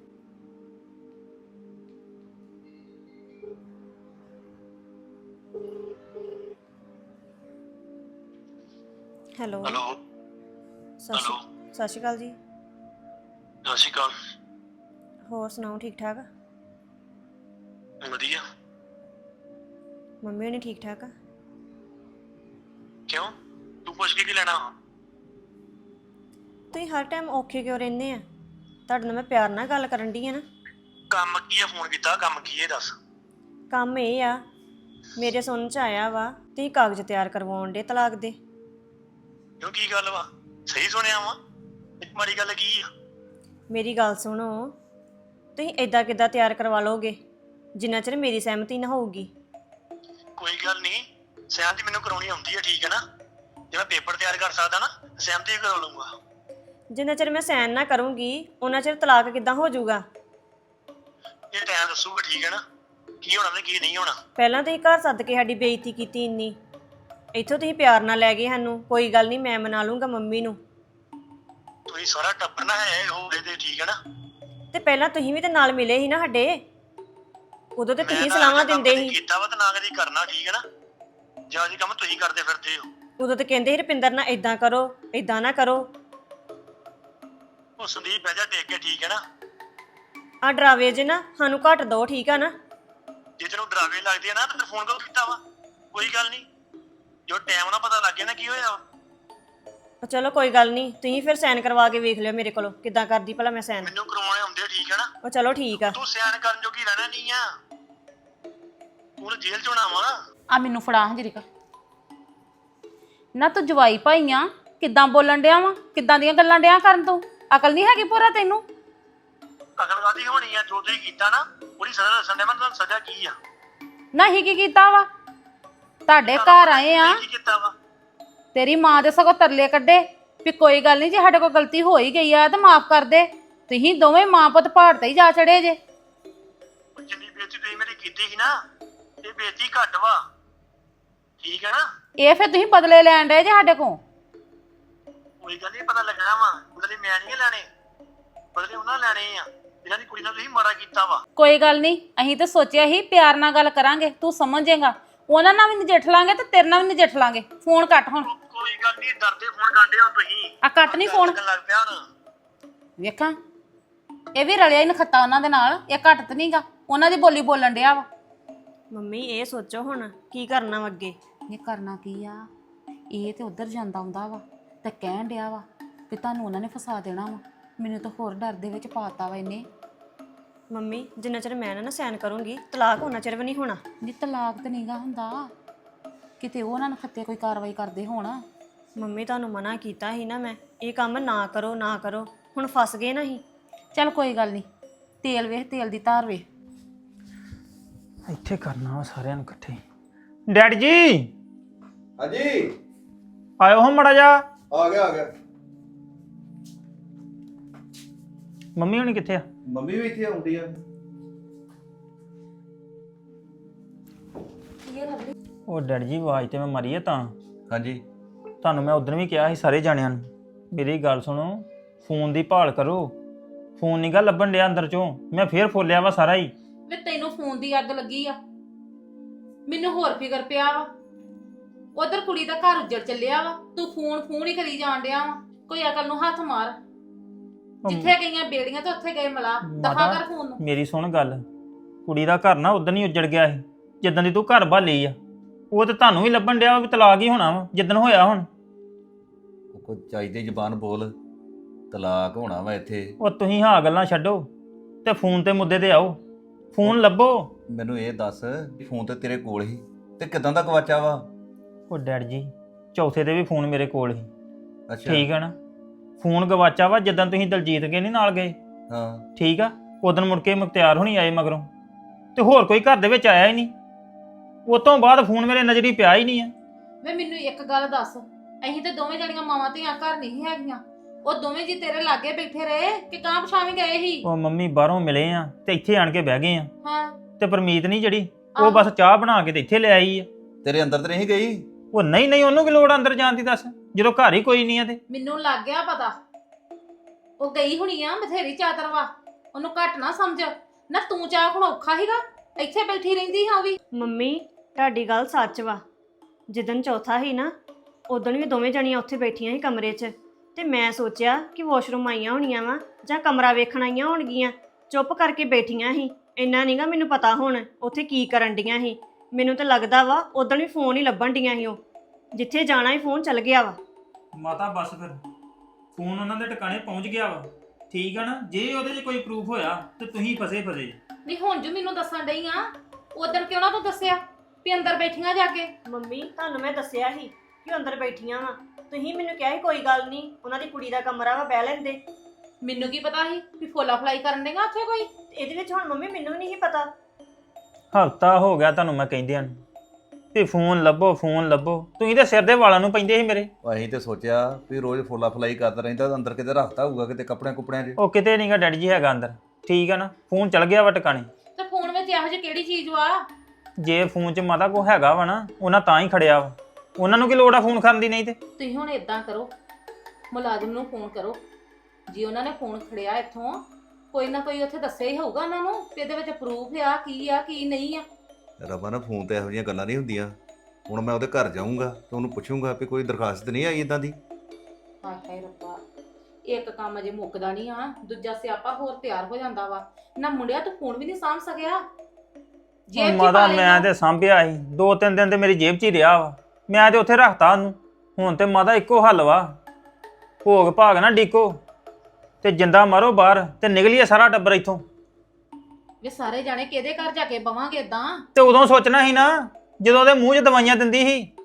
ਹੈਲੋ ਹੈਲੋ ਸਤਿ ਸ਼੍ਰੀ ਅਕਾਲ ਜੀ। ਸਤਿ ਸ਼੍ਰੀ ਅਕਾਲ। ਹੋਰ ਸੁਣਾਓ, ਠੀਕ ਠਾਕ? ਵਧੀਆ। ਮੰਮੀ ਹੋਣੀ ਠੀਕ ਠਾਕ ਆ? ਕਿਉਂ, ਤੂੰ ਪੁੱਛ ਕੇ ਕੀ ਲੈਣਾ? ਤੁਸੀਂ ਹਰ ਟਾਈਮ ਔਖੇ ਕਿਉਂ ਰਹਿੰਦੇ ਆ? ਤੁਹਾਡੇ ਨਾਲ ਮੈਂ ਪਿਆਰ ਨਾਲ ਗੱਲ ਕਰਨ ਡਈ ਆ ਨਾ। ਕੰਮ ਕੀ ਆ? ਫੋਨ ਕੀਤਾ, ਕੰਮ ਕੀ ਹੈ ਦੱਸ। ਕੰਮ ਇਹ ਆ, ਮੇਰੇ ਸੁਣਨ ਚ ਆਇਆ ਵਾ ਤੁਸੀਂ ਕਾਗਜ਼ ਤਿਆਰ ਕਰਵਾਉਣ ਦੇ ਤਲਾਕ ਦੇ। ਕਿਉਂ, ਕੀ ਗੱਲ ਵਾ? ਸਹੀ ਸੁਣਿਆ ਵਾ? ਇੱਕ ਮਾੜੀ ਗੱਲ ਕੀ ਆ? ਮੇਰੀ ਗੱਲ ਸੁਣੋ, ਤੁਸੀਂ ਇਦਾਂ ਕਿੱਦਾਂ ਤਿਆਰ ਕਰਵਾ ਲੋਗੇ ਜਿੰਨਾ ਚਿਰ ਮੇਰੀ ਸਹਿਮਤੀ ਨਾ ਹੋਊਗੀ? ਕੋਈ ਗੱਲ ਨਹੀਂ, ਸਹਿਮਤੀ ਮੈਨੂੰ ਕਰਾਉਣੀ ਆਉਂਦੀ ਹੈ, ਠੀਕ ਹੈ ਨਾ। ਜੇ ਮੈਂ ਪੇਪਰ ਤਿਆਰ ਕਰ ਸਕਦਾ ਨਾ, ਸਹਿਮਤੀ ਕਰਾ ਲੂੰਗਾ। ਜਿੰਨਾ ਚਿਰ ਮੈਂ ਸਾਈਨ ਨਾ ਕਰੂੰਗੀ ਉਹਨਾਂ ਚਿਰ ਤਲਾਕ ਕਿੱਦਾਂ ਹੋ ਜਾਊਗਾ? ਇਹ ਟਾਈਮ ਦੱਸੂਗਾ, ਠੀਕ ਹੈ ਨਾ, ਕੀ ਹੋਣਾ ਤੇ ਕੀ ਨਹੀਂ ਹੋਣਾ। ਪਹਿਲਾਂ ਤੁਸੀਂ ਘਰ ਸੱਦ ਕੇ ਸਾਡੀ ਬੇਇੱਜ਼ਤੀ ਕੀਤੀ ਇੰਨੀ, ਇੱਥੋਂ ਤੁਸੀਂ ਪਿਆਰ ਨਾਲ ਲੈ ਗਏ ਸਾਨੂੰ। ਕੋਈ ਗੱਲ ਨਹੀਂ, ਮੈਂ ਮਨਾ ਲੂੰਗਾ ਮੰਮੀ ਨੂੰ। ਤੁਸੀਂ ਸਾਰਾ ਟੱਬਰ ਨਾ ਹੈ ਹੋਵੇ ਤੇ, ਠੀਕ ਹੈ ਨਾ। ਤੇ ਪਹਿਲਾਂ ਤੁਸੀਂ ਵੀ ਤੇ ਨਾਲ ਮਿਲੇ ਸੀ ਨਾ ਸਾਡੇ, ਉਦੋਂ ਤੇ ਤੁਸੀਂ ਮੈਂ ਸਲਾਹਾਂ ਤਾਂ ਕੰਮ ਦਿੰਦੇ ਕਦੀ ਸੀ। ਕੀਤਾ ਵਾ ਤੇ ਨਾ ਕਦੀ ਕਰਨਾ, ਠੀਕ ਹੈ ਨਾ। ਜਾਂ ਜੀ ਕੰਮ ਤੁਸੀਂ ਕਰਦੇ ਫਿਰਦੇ ਹੋ। ਉਦੋਂ ਤੇ ਕਹਿੰਦੇ ਸੀ ਰੁਪਿੰਦਰ ਨਾਲ ਇਦਾਂ ਕਰੋ, ਇਦਾਂ ਨਾ ਕਰੋ। ਉਹ ਸੰਦੀਪ ਬਹਿ ਜਾ ਟੇਕ ਕੇ, ਠੀਕ ਹੈ ਨਾ। ਆ ਡਰਾਵੇ ਜੇ ਨਾ ਸਾਨੂੰ ਘੱਟ ਦੋ, ਠੀਕ ਆ ਨਾ। ਜੇ ਤੈਨੂੰ ਡਰਾਵੇ ਲੱਗਦੇ ਆ ਨਾ ਤਾਂ ਫੋਨ ਕਿਉਂ ਕੀਤਾ ਵਾ? ਕੋਈ ਗੱਲ ਨਹੀਂ, ਜੋ ਟਾਈਮ ਨਾਲ ਪਤਾ ਲੱਗ ਗਿਆ ਨਾ ਕੀ ਹੋਇਆ ਵਾ। ਉਹ ਚਲੋ ਕੋਈ ਗੱਲ ਨਹੀਂ, ਤੁਸੀਂ ਫਿਰ ਸਾਈਨ ਕਰਵਾ ਕੇ ਵੇਖ ਲਿਓ ਮੇਰੇ ਕੋਲੋਂ ਕਿੱਦਾਂ ਕਰਦੀ ਭਲਾ ਮੈਂ ਸਾਈਨ। ਮੈਨੂੰ ਕਰਵਾਉਣੇ ਹੁੰਦੇ ਆ, ਠੀਕ ਹੈ ਨਾ। ਉਹ ਚਲੋ ਠੀਕ ਆ। ਤੂੰ ਸਿਆਣ ਕਰਨ ਜੋਗੀ ਰਹਿਣਾ ਨਹੀਂ ਆ, ਤੂੰ ਜੇਲ੍ਹ ਚ ਹੋਣਾ ਵਾ। ਆ ਮੈਨੂੰ ਫੜਾ ਹਜਰੀਕਾ ਨਾ, ਤੂੰ ਜਵਾਈ ਭਾਈ ਆ, ਕਿੱਦਾਂ ਬੋਲਣ ਡਿਆ ਵਾ? ਕਿੱਦਾਂ ਦੀਆਂ ਗੱਲਾਂ ਡਿਆ ਕਰਨ? ਤੂੰ ਅਕਲ ਨਹੀਂ ਹੈਗੀ ਪੂਰਾ ਤੈਨੂੰ? ਅਕਲ ਕਾਦੀ ਹੋਣੀ ਆ? ਜੋ ਤੁਸੀਂ ਕੀਤਾ ਨਾ ਉਹਦੀ ਸਜ਼ਾ ਦੱਸਣ ਦੇ, ਮੈਂ ਤੁਹਾਨੂੰ ਸਜ਼ਾ ਕੀ ਆ। ਨਹੀਂ ਕੀ ਕੀਤਾ ਵਾ? ਤੁਹਾਡੇ ਘਰ ਆਏ ਆ, ਕੀ ਕੀਤਾ ਵਾ? ਤੇਰੀ ਮਾਂ ਦੇ ਸਗੋਂ ਤਰਲੇ ਕੱਢੇ ਵੀ ਕੋਈ ਗੱਲ ਨਹੀਂ, ਜੇ ਸਾਡੇ ਕੋਲ ਗਲਤੀ ਹੋ ਹੀ ਗਈ ਆ ਤਾਂ ਮਾਫ ਕਰ ਦੇ। ਤੁਸੀਂ ਦੋਵੇਂ ਮਾਂ ਪੁੱਤ ਪਹਾੜ ਤੇ ਹੀ ਜਾ ਚੜੇ ਜੇ। ਉਹ ਜਿੰਨੀ ਬੇਇੱਜ਼ਤੀ ਤੁਸੀਂ ਮੇਰੀ ਕੀਤੀ ਸੀ ਨਾ, ਇਹ ਬੇਇੱਜ਼ਤੀ ਘੱਟ ਵਾ, ਠੀਕ ਹੈ ਨਾ। ਇਹ ਫਿਰ ਤੁਸੀਂ ਬਦਲੇ ਲੈਣ ਡਏ ਜੇ ਸਾਡੇ ਕੋਲ। ਕੋਈ ਗੱਲ ਨਹੀਂ, ਪਤਾ ਲੱਗਣਾ ਵਾ। ਬਦਲੇ ਮੈਂ ਨਹੀਂ ਲੈਣੇ, ਬਦਲੇ ਉਹਨਾਂ ਲੈਣੇ ਆ ਇਹਨਾਂ ਦੀ ਕੁੜੀ ਨਾਲ ਤੁਸੀਂ ਮਾੜਾ ਕੀਤਾ ਵਾ। ਕੋਈ ਗੱਲ ਨਹੀਂ, ਅਸੀਂ ਤਾਂ ਸੋਚਿਆ ਸੀ ਪਿਆਰ ਨਾਲ ਗੱਲ ਕਰਾਂਗੇ, ਤੂੰ ਸਮਝੇਗਾ। ਉਹਨਾਂ ਨਾਲ ਵੀ ਨਜਿੱਠ ਲਾਂਗੇ ਤੇ ਤੇਰੇ ਨਾਲ ਵੀ ਨਜਿੱਠ ਲਾਂਗੇ। ਫੋਨ ਕੱਟ ਹੁਣ। ਕੋਈ ਗੱਲ ਨਹੀਂ, ਡਰਦੇ ਫੋਨ ਗਾਂਡੇ ਹੋ ਤੁਸੀਂ। ਆ ਕੱਟ ਨਹੀਂ ਫੋਨ। ਲੱਗਣ ਲੱਗ ਪਿਆ ਹੁਣ। ਵੇਖਾਂ, ਇਹ ਵੀ ਰਲਿਆ ਹੀ ਨਖੱਤਾ ਉਹਨਾਂ ਦੇ ਨਾਲ। ਇਹ ਘੱਟ ਤੇ ਨਹੀਂਗਾ, ਉਹਨਾਂ ਦੀ ਬੋਲੀ ਬੋਲਣ ਡਿਆ ਵਾ। ਮੰਮੀ ਇਹ ਸੋਚੋ ਹੁਣ ਕੀ ਕਰਨਾ ਵਾ ਅੱਗੇ। ਇਹ ਕਰਨਾ ਕੀ ਆ? ਇਹ ਤੇ ਉਧਰ ਜਾਂਦਾ ਆਉਂਦਾ ਵਾ ਤੇ ਕਹਿਣ ਡਿਆ ਵਾ ਕਿ ਤੁਹਾਨੂੰ ਉਹਨਾਂ ਨੇ ਫਸਾ ਦੇਣਾ ਵਾ। ਮੈਨੂੰ ਤਾਂ ਹੋਰ ਡਰ ਦੇ ਵਿੱਚ ਪਾਤਾ ਵਾ ਇਹਨੇ। ਮੰਮੀ ਜਿੰਨਾ ਚਿਰ ਮੈਂ ਨਾ ਸਾਈਨ ਕਰੂੰਗੀ ਤਲਾਕ ਹੋਣਾ ਚਿਰ ਵੀ ਨਹੀਂ ਹੋਣਾ। ਨਹੀਂ ਤਲਾਕ ਤੇ ਨਹੀਂਗਾ ਹੁੰਦਾ, ਕਿਤੇ ਉਹ ਉਹਨਾਂ ਨਖੱਤੇ ਕੋਈ ਕਾਰਵਾਈ ਕਰਦੇ ਹੋਣ। ਮੰਮੀ ਤੁਹਾਨੂੰ ਮਨਾ ਕੀਤਾ ਸੀ ਨਾ ਮੈਂ, ਇਹ ਕੰਮ ਨਾ ਕਰੋ ਨਾ ਕਰੋ। ਹੁਣ ਫਸ ਗਏ ਨਾ ਹੀ। ਚੱਲ ਕੋਈ ਗੱਲ ਨਹੀਂ, ਤੇਲ ਵੇਖ, ਤੇਲ ਦੀ ਧਾਰ ਵੇਖ। ਇੱਥੇ ਕਰਨਾ ਵਾ ਸਾਰਿਆਂ ਨੂੰ ਇਕੱਠੇ। ਡੈਡੀ ਜੀ ਹਾਂਜੀ, ਆਇਓ ਹੋ ਮੜਾ ਜਾ। ਆ ਗਿਆ। ਮੰਮੀ ਹੋਣੀ ਕਿੱਥੇ ਆ? ਮੰਮੀ ਵੀ ਇੱਥੇ ਆਉਂਦੀ ਆ। ਉਹ ਡੈਡੀ ਜੀ ਆਵਾਜ਼ ਤੇ ਮੈਂ ਮਾਰੀ ਆ ਤਾਂ। ਹਾਂਜੀ, ਤੁਹਾਨੂੰ ਮੈਂ ਉਦੋਂ ਵੀ ਕਿਹਾ ਸੀ ਸਾਰੇ ਜਾਣਿਆਂ ਨੂੰ, ਮੇਰੀ ਗੱਲ ਸੁਣੋ, ਫੋਨ ਦੀ ਭਾਲ ਕਰੋ। ਫੋਨ ਨੀ ਗਾ ਲੱਭਣ ਡਿਆ ਅੰਦਰ ਚੋਂ। ਮੈਂ ਫੇਰ ਫੋਲਿਆ ਵਾ ਸਾਰਾ ਹੀ। ਵੇ ਤੈਨੂੰ ਫੋਨ ਦੀ ਅੱਗ ਲੱਗੀ ਆ, ਮੈਨੂੰ ਹੋਰ ਫਿਕਰ ਪਿਆ ਵਾ। ਉਧਰ ਕੁੜੀ ਦਾ ਘਰ ਉੱਜੜ ਚੱਲਿਆ ਵਾ, ਤੂੰ ਫੋਨ ਹੀ ਕਰੀ ਜਾਣ ਡਿਆ ਵਾ। ਕੋਈ ਅਕਲ ਨੂੰ ਹੱਥ ਮਾਰ। ਜਿੱਥੇ ਗਈਆਂ ਬੇੜੀਆਂ ਤੇ ਉੱਥੇ ਗਏ ਮਲਾ। ਦਫਾ ਕਰ ਫੋਨ ਨੂੰ। ਮੇਰੀ ਸੁਣ ਗੱਲ, ਕੁੜੀ ਦਾ ਘਰ ਨਾ ਉਦੋਂ ਹੀ ਉੱਜੜ ਗਿਆ ਸੀ ਜਿੱਦਾਂ ਦੀ ਤੂੰ ਘਰ ਭਾਲੀ ਆ। ਉਹ ਤੇ ਤੁਹਾਨੂੰ ਵੀ ਲੱਭਣ ਡਿਆ ਵੀ ਤਲਾਕ ਹੀ ਹੋਣਾ ਵਾ ਜਿੱਦਣ ਹੋਇਆ। ਹੁਣ ਉਹ ਕੋਈ ਚਾਹੀਦੀ ਜ਼ਬਾਨ ਬੋਲ, ਤਲਾਕ ਹੋਣਾ ਵਾ ਇੱਥੇ। ਉਹ ਤੁਸੀਂ ਹਾਂ ਗੱਲਾਂ ਛੱਡੋ ਤੇ ਫੋਨ ਤੇ ਮੁੱਦੇ ਤੇ ਆਓ। ਫੋਨ ਲੱਭੋ। ਮੈਨੂੰ ਇਹ ਦੱਸ ਵੀ ਫੋਨ ਤੇ ਤੇਰੇ ਕੋਲ ਹੀ ਤੇ ਕਿਦਾਂ ਦਾ ਗਵਾਚਾ ਵਾ? ਉਹ ਡੈਡ ਜੀ, ਚੌਥੇ ਤੇ ਵੀ ਫੋਨ ਮੇਰੇ ਕੋਲ ਹੀ। ਅੱਛਾ, ਠੀਕ ਹੈ ਨਾ। ਫੋਨ ਗਵਾਚਾ ਵਾ ਜਿੱਦਾਂ ਤੁਸੀਂ ਦਲਜੀਤ ਕੇ ਨਹੀਂ ਨਾਲ ਗਏ। ਹਾਂ, ਠੀਕ ਆ, ਉਦੋਂ ਮੁੜ ਕੇ ਮੁਖਤਿਆਰ ਹੋਣੀ ਆਏ ਮਗਰੋਂ, ਤੇ ਹੋਰ ਕੋਈ ਘਰ ਦੇ ਵਿੱਚ ਆਇਆ ਹੀ ਨਹੀਂ। ਉਸ ਤੋਂ ਬਾਅਦ ਫੋਨ ਮੇਰੇ ਨਜ਼ਰੀ ਪਿਆ ਹੀ ਨਹੀਂ ਆ। ਵੇ ਮੈਨੂੰ ਇੱਕ ਗੱਲ ਦੱਸ, ਅਸੀਂ ਤੇ ਦੋਵੇਂ ਜਣੀਆਂ ਮਾਵਾਂ ਧੀਆਂ ਘਰ ਨਹੀਂ ਹੈਗੀਆਂ। ਉਹ ਦੋਵੇਂ ਜੀ ਤੇਰੇ ਲਾਗੇ ਬੈਠੇ ਰਹੇ ਕਿ ਕਾਂ ਪਛਾਵੇਂ ਗਏ ਸੀ? ਉਹ ਮੰਮੀ ਬਾਹਰੋਂ ਮਿਲੇ ਆ ਤੇ ਇੱਥੇ ਆਣ ਕੇ ਬਹਿ ਗਏ ਆ। ਹਾਂ, ਤੇ ਪਰਮੀਤ ਨਹੀਂ ਜਿਹੜੀ, ਉਹ ਬਸ ਚਾਹ ਬਣਾ ਕੇ ਤੇ ਇੱਥੇ ਲੈ ਆਈ ਆ। ਤੇਰੇ ਅੰਦਰ ਤੇ ਨਹੀਂ ਗਈ? ਉਹ ਨਹੀਂ, ਉਹਨੂੰ ਕੀ ਲੋੜ ਅੰਦਰ ਜਾਣ ਦੀ ਦੱਸ, ਜਦੋਂ ਘਰ ਹੀ ਕੋਈ ਨਹੀਂ ਆ। ਤੇ ਮੈਨੂੰ ਲੱਗ ਗਿਆ ਪਤਾ, ਉਹ ਗਈ ਹੁਣੀ ਆ ਬਥੇਰੀ ਚਾਦਰ ਵਾ। ਉਹਨੂੰ ਘੱਟ ਨਾ ਸਮਝ ਨਾ। ਤੂੰ ਚਾਹ ਹੁਣ ਔਖਾ ਹੀਗਾ, ਇੱਥੇ ਬੈਠੀ ਰਹਿੰਦੀ ਹਾਂ ਵੀ। ਮੰਮੀ ਤੁਹਾਡੀ ਗੱਲ ਸੱਚ ਵਾ। ਜਿੱਦਣ ਚੌਥਾ ਸੀ ਨਾ, ਉਦਣ ਵੀ ਦੋਵੇਂ ਜਣੀਆਂ ਉੱਥੇ ਬੈਠੀਆਂ ਸੀ ਕਮਰੇ 'ਚ ਤੇ ਮੈਂ ਸੋਚਿਆ ਕਿ ਵਾਸ਼ਰੂਮ ਆਈਆਂ ਹੋਣੀਆਂ ਵਾ ਜਾਂ ਕਮਰਾ ਵੇਖਣ ਆਈਆਂ ਹੋਣਗੀਆਂ। ਚੁੱਪ ਕਰਕੇ ਬੈਠੀਆਂ ਸੀ। ਇੰਨਾ ਨਹੀਂਗਾ ਮੈਨੂੰ ਪਤਾ ਹੁਣ ਉੱਥੇ ਕੀ ਕਰਨ ਡੀਆਂ ਸੀ। ਮੈਨੂੰ ਤਾਂ ਲੱਗਦਾ ਵਾ ਉਦੋਂ ਵੀ ਫੋਨ ਹੀ ਲੱਭਣ ਡੀਆਂ ਸੀ। ਉਹ ਜਿੱਥੇ ਜਾਣਾ ਹੀ ਫੋਨ ਚੱਲ ਗਿਆ ਵਾ। ਮਾਤਾ ਬਸ ਫਿਰ ਫੋਨ ਉਹਨਾਂ ਦੇ ਟਿਕਾਣੇ ਪਹੁੰਚ ਗਿਆ ਵਾ, ਠੀਕ ਆ ਨਾ। ਜੇ ਉਹਦੇ 'ਚ ਕੋਈ ਪ੍ਰੂਫ ਹੋਇਆ ਤੇ ਤੁਸੀਂ ਫਸੇ। ਨਹੀਂ ਹੁਣ ਜੋ ਮੈਨੂੰ ਦੱਸਣ ਡਈ ਆ, ਉਦੋਂ ਕਿਉਂ ਨਾ ਤੂੰ ਦੱਸਿਆ ਵੀ ਅੰਦਰ ਬੈਠੀਆਂ ਜਾ ਕੇ? ਮੰਮੀ ਤੁਹਾਨੂੰ ਮੈਂ ਦੱਸਿਆ ਸੀ ਕਿ ਉਹ ਅੰਦਰ ਬੈਠੀਆਂ ਵਾ। ਤੁਸੀਂ ਮੈਨੂੰ ਕਿਹਾ ਸੀ ਕੋਈ ਗੱਲ ਨਹੀਂ, ਉਹਨਾਂ ਦੀ ਕੁੜੀ ਦਾ ਕਮਰਾ ਵਾ, ਬਹਿ ਲੈਂਦੇ। ਮੈਨੂੰ ਕੀ ਪਤਾ ਸੀ ਵੀ ਫੋਲਾ ਫਲਾਈ ਕਰਨ ਦੇਗਾ ਉੱਥੇ ਕੋਈ? ਇਹਦੇ ਵਿੱਚ ਹੁਣ ਮੰਮੀ ਮੈਨੂੰ ਵੀ ਨਹੀਂ ਪਤਾ। ਹਫ਼ਤਾ ਹੋ ਗਿਆ ਤੁਹਾਨੂੰ ਮੈਂ ਕਹਿੰਦਿਆਂ ਨੂੰ ਵੀ ਫੋਨ ਲੱਭੋ ਫੋਨ ਲੱਭੋ, ਤੁਸੀਂ ਤਾਂ ਸਿਰ ਦੇ ਵਾਲਾਂ ਨੂੰ ਪੈਂਦੇ ਸੀ ਮੇਰੇ। ਅਸੀਂ ਤੇ ਸੋਚਿਆ ਵੀ ਰੋਜ਼ ਫੋਲਾ ਫਲਾਈ ਕਰਦਾ ਰਹਿੰਦਾ, ਅੰਦਰ ਕਿਤੇ ਰੱਖਤਾ ਹੋਊਗਾ ਕਿਤੇ ਕੱਪੜਿਆਂ 'ਚ। ਉਹ ਕਿਤੇ ਨਹੀਂਗਾ ਡੈਡੀ ਜੀ ਹੈਗਾ ਅੰਦਰ, ਠੀਕ ਆ ਨਾ। ਫੋਨ ਚਲ ਗਿਆ ਵਾ ਟਿਕਾਣੇ। ਤੇ ਫੋਨ ਵਿੱਚ ਇਹੋ ਜਿਹੀ ਕਿਹੜੀ ਚੀਜ਼ ਵਾ? ਜੇ ਫੋਨ 'ਚ ਮਾਤਾ ਕੋ ਹੈਗਾ ਵਾ ਨਾ, ਉਹਨਾਂ ਤਾਂ ਹੀ ਖੜਿਆ ਵਾ। ਉਹਨਾਂ ਨੂੰ ਕੀ ਲੋੜ ਆ ਫੋਨ ਕਰਨ ਦੀ? ਨਹੀਂ ਤੇ ਤੁਸੀਂ ਹੁਣ ਇਦਾਂ ਕਰੋ, ਮੁਲਾਜ਼ਮ ਨੂੰ ਫੋਨ ਕਰੋ। ਜੇ ਉਹਨਾਂ ਨੇ ਫੋਨ ਖੜਿਆ ਇੱਥੋਂ, ਕੋਈ ਨਾ ਕੋਈ ਉੱਥੇ ਦੱਸਿਆ ਹੀ ਹੋਊਗਾ ਉਹਨਾਂ ਨੂੰ ਕਿ ਇਹਦੇ ਵਿੱਚ ਪ੍ਰੂਫ ਆ ਕੀ ਨਹੀਂ ਆ। ਰਮਨ ਫੋਨ ਤੇ ਇਹੋ ਜਿਹੀਆਂ ਗੱਲਾਂ ਨਹੀਂ ਹੁੰਦੀਆਂ। ਹੁਣ ਮੈਂ ਉਹਦੇ ਘਰ ਜਾਊਂਗਾ ਤੇ ਉਹਨੂੰ ਪੁੱਛੂੰਗਾ ਵੀ ਕੋਈ ਦਰਖਾਸਤ ਨਹੀਂ ਆਈ ਇਦਾਂ ਦੀ। ਹਾਏ ਹਾਏ ਰੱਬਾ, ਇੱਕ ਕੰਮ ਅਜੇ ਮੁੱਕਦਾ ਨਹੀਂ ਆ, ਦੂਜਾ ਸਿਆਪਾ ਹੋਰ ਤਿਆਰ ਹੋ ਜਾਂਦਾ ਵਾ। ਨਾ ਮੁੰਡਿਆ ਤੂੰ ਫੋਨ ਵੀ ਨਹੀਂ ਸਾਂਭ ਸਕਿਆ। ਹੁਣ ਮਾਤਾ ਮੈਂ ਤੇ ਸਾਂਭਿਆ ਸੀ 2-3 ਦਿਨ ਤੇ ਮੇਰੀ ਜੇਬ 'ਚ ਹੀ ਰਿਹਾ ਵਾ। ਮੈਂ ਤੇ ਉੱਥੇ ਰੱਖਤਾ ਉਹਨੂੰ। ਹੁਣ ਤੇ ਮਾਤਾ ਇੱਕੋ ਹੱਲ ਵਾ, ਭੋਗ ਭਾਗ ਨਾ ਡੀਕੋ ਤੇ ਜਿੰਦਾ ਮਾਰੋ ਬਾਹਰ ਤੇ ਨਿਕਲੀਏ ਸਾਰਾ ਟੱਬਰ ਇੱਥੋਂ। ਵੀ ਸਾਰੇ ਜਾਣੇ ਕਿਹਦੇ ਘਰ ਜਾ ਕੇ ਬਵਾਂਗੇ ਇਦਾਂ? ਤੇ ਉਦੋਂ ਸੋਚਣਾ ਸੀ ਨਾ ਜਦੋਂ ਉਹਦੇ ਮੂੰਹ 'ਚ ਦਵਾਈਆਂ ਦਿੰਦੀ ਸੀ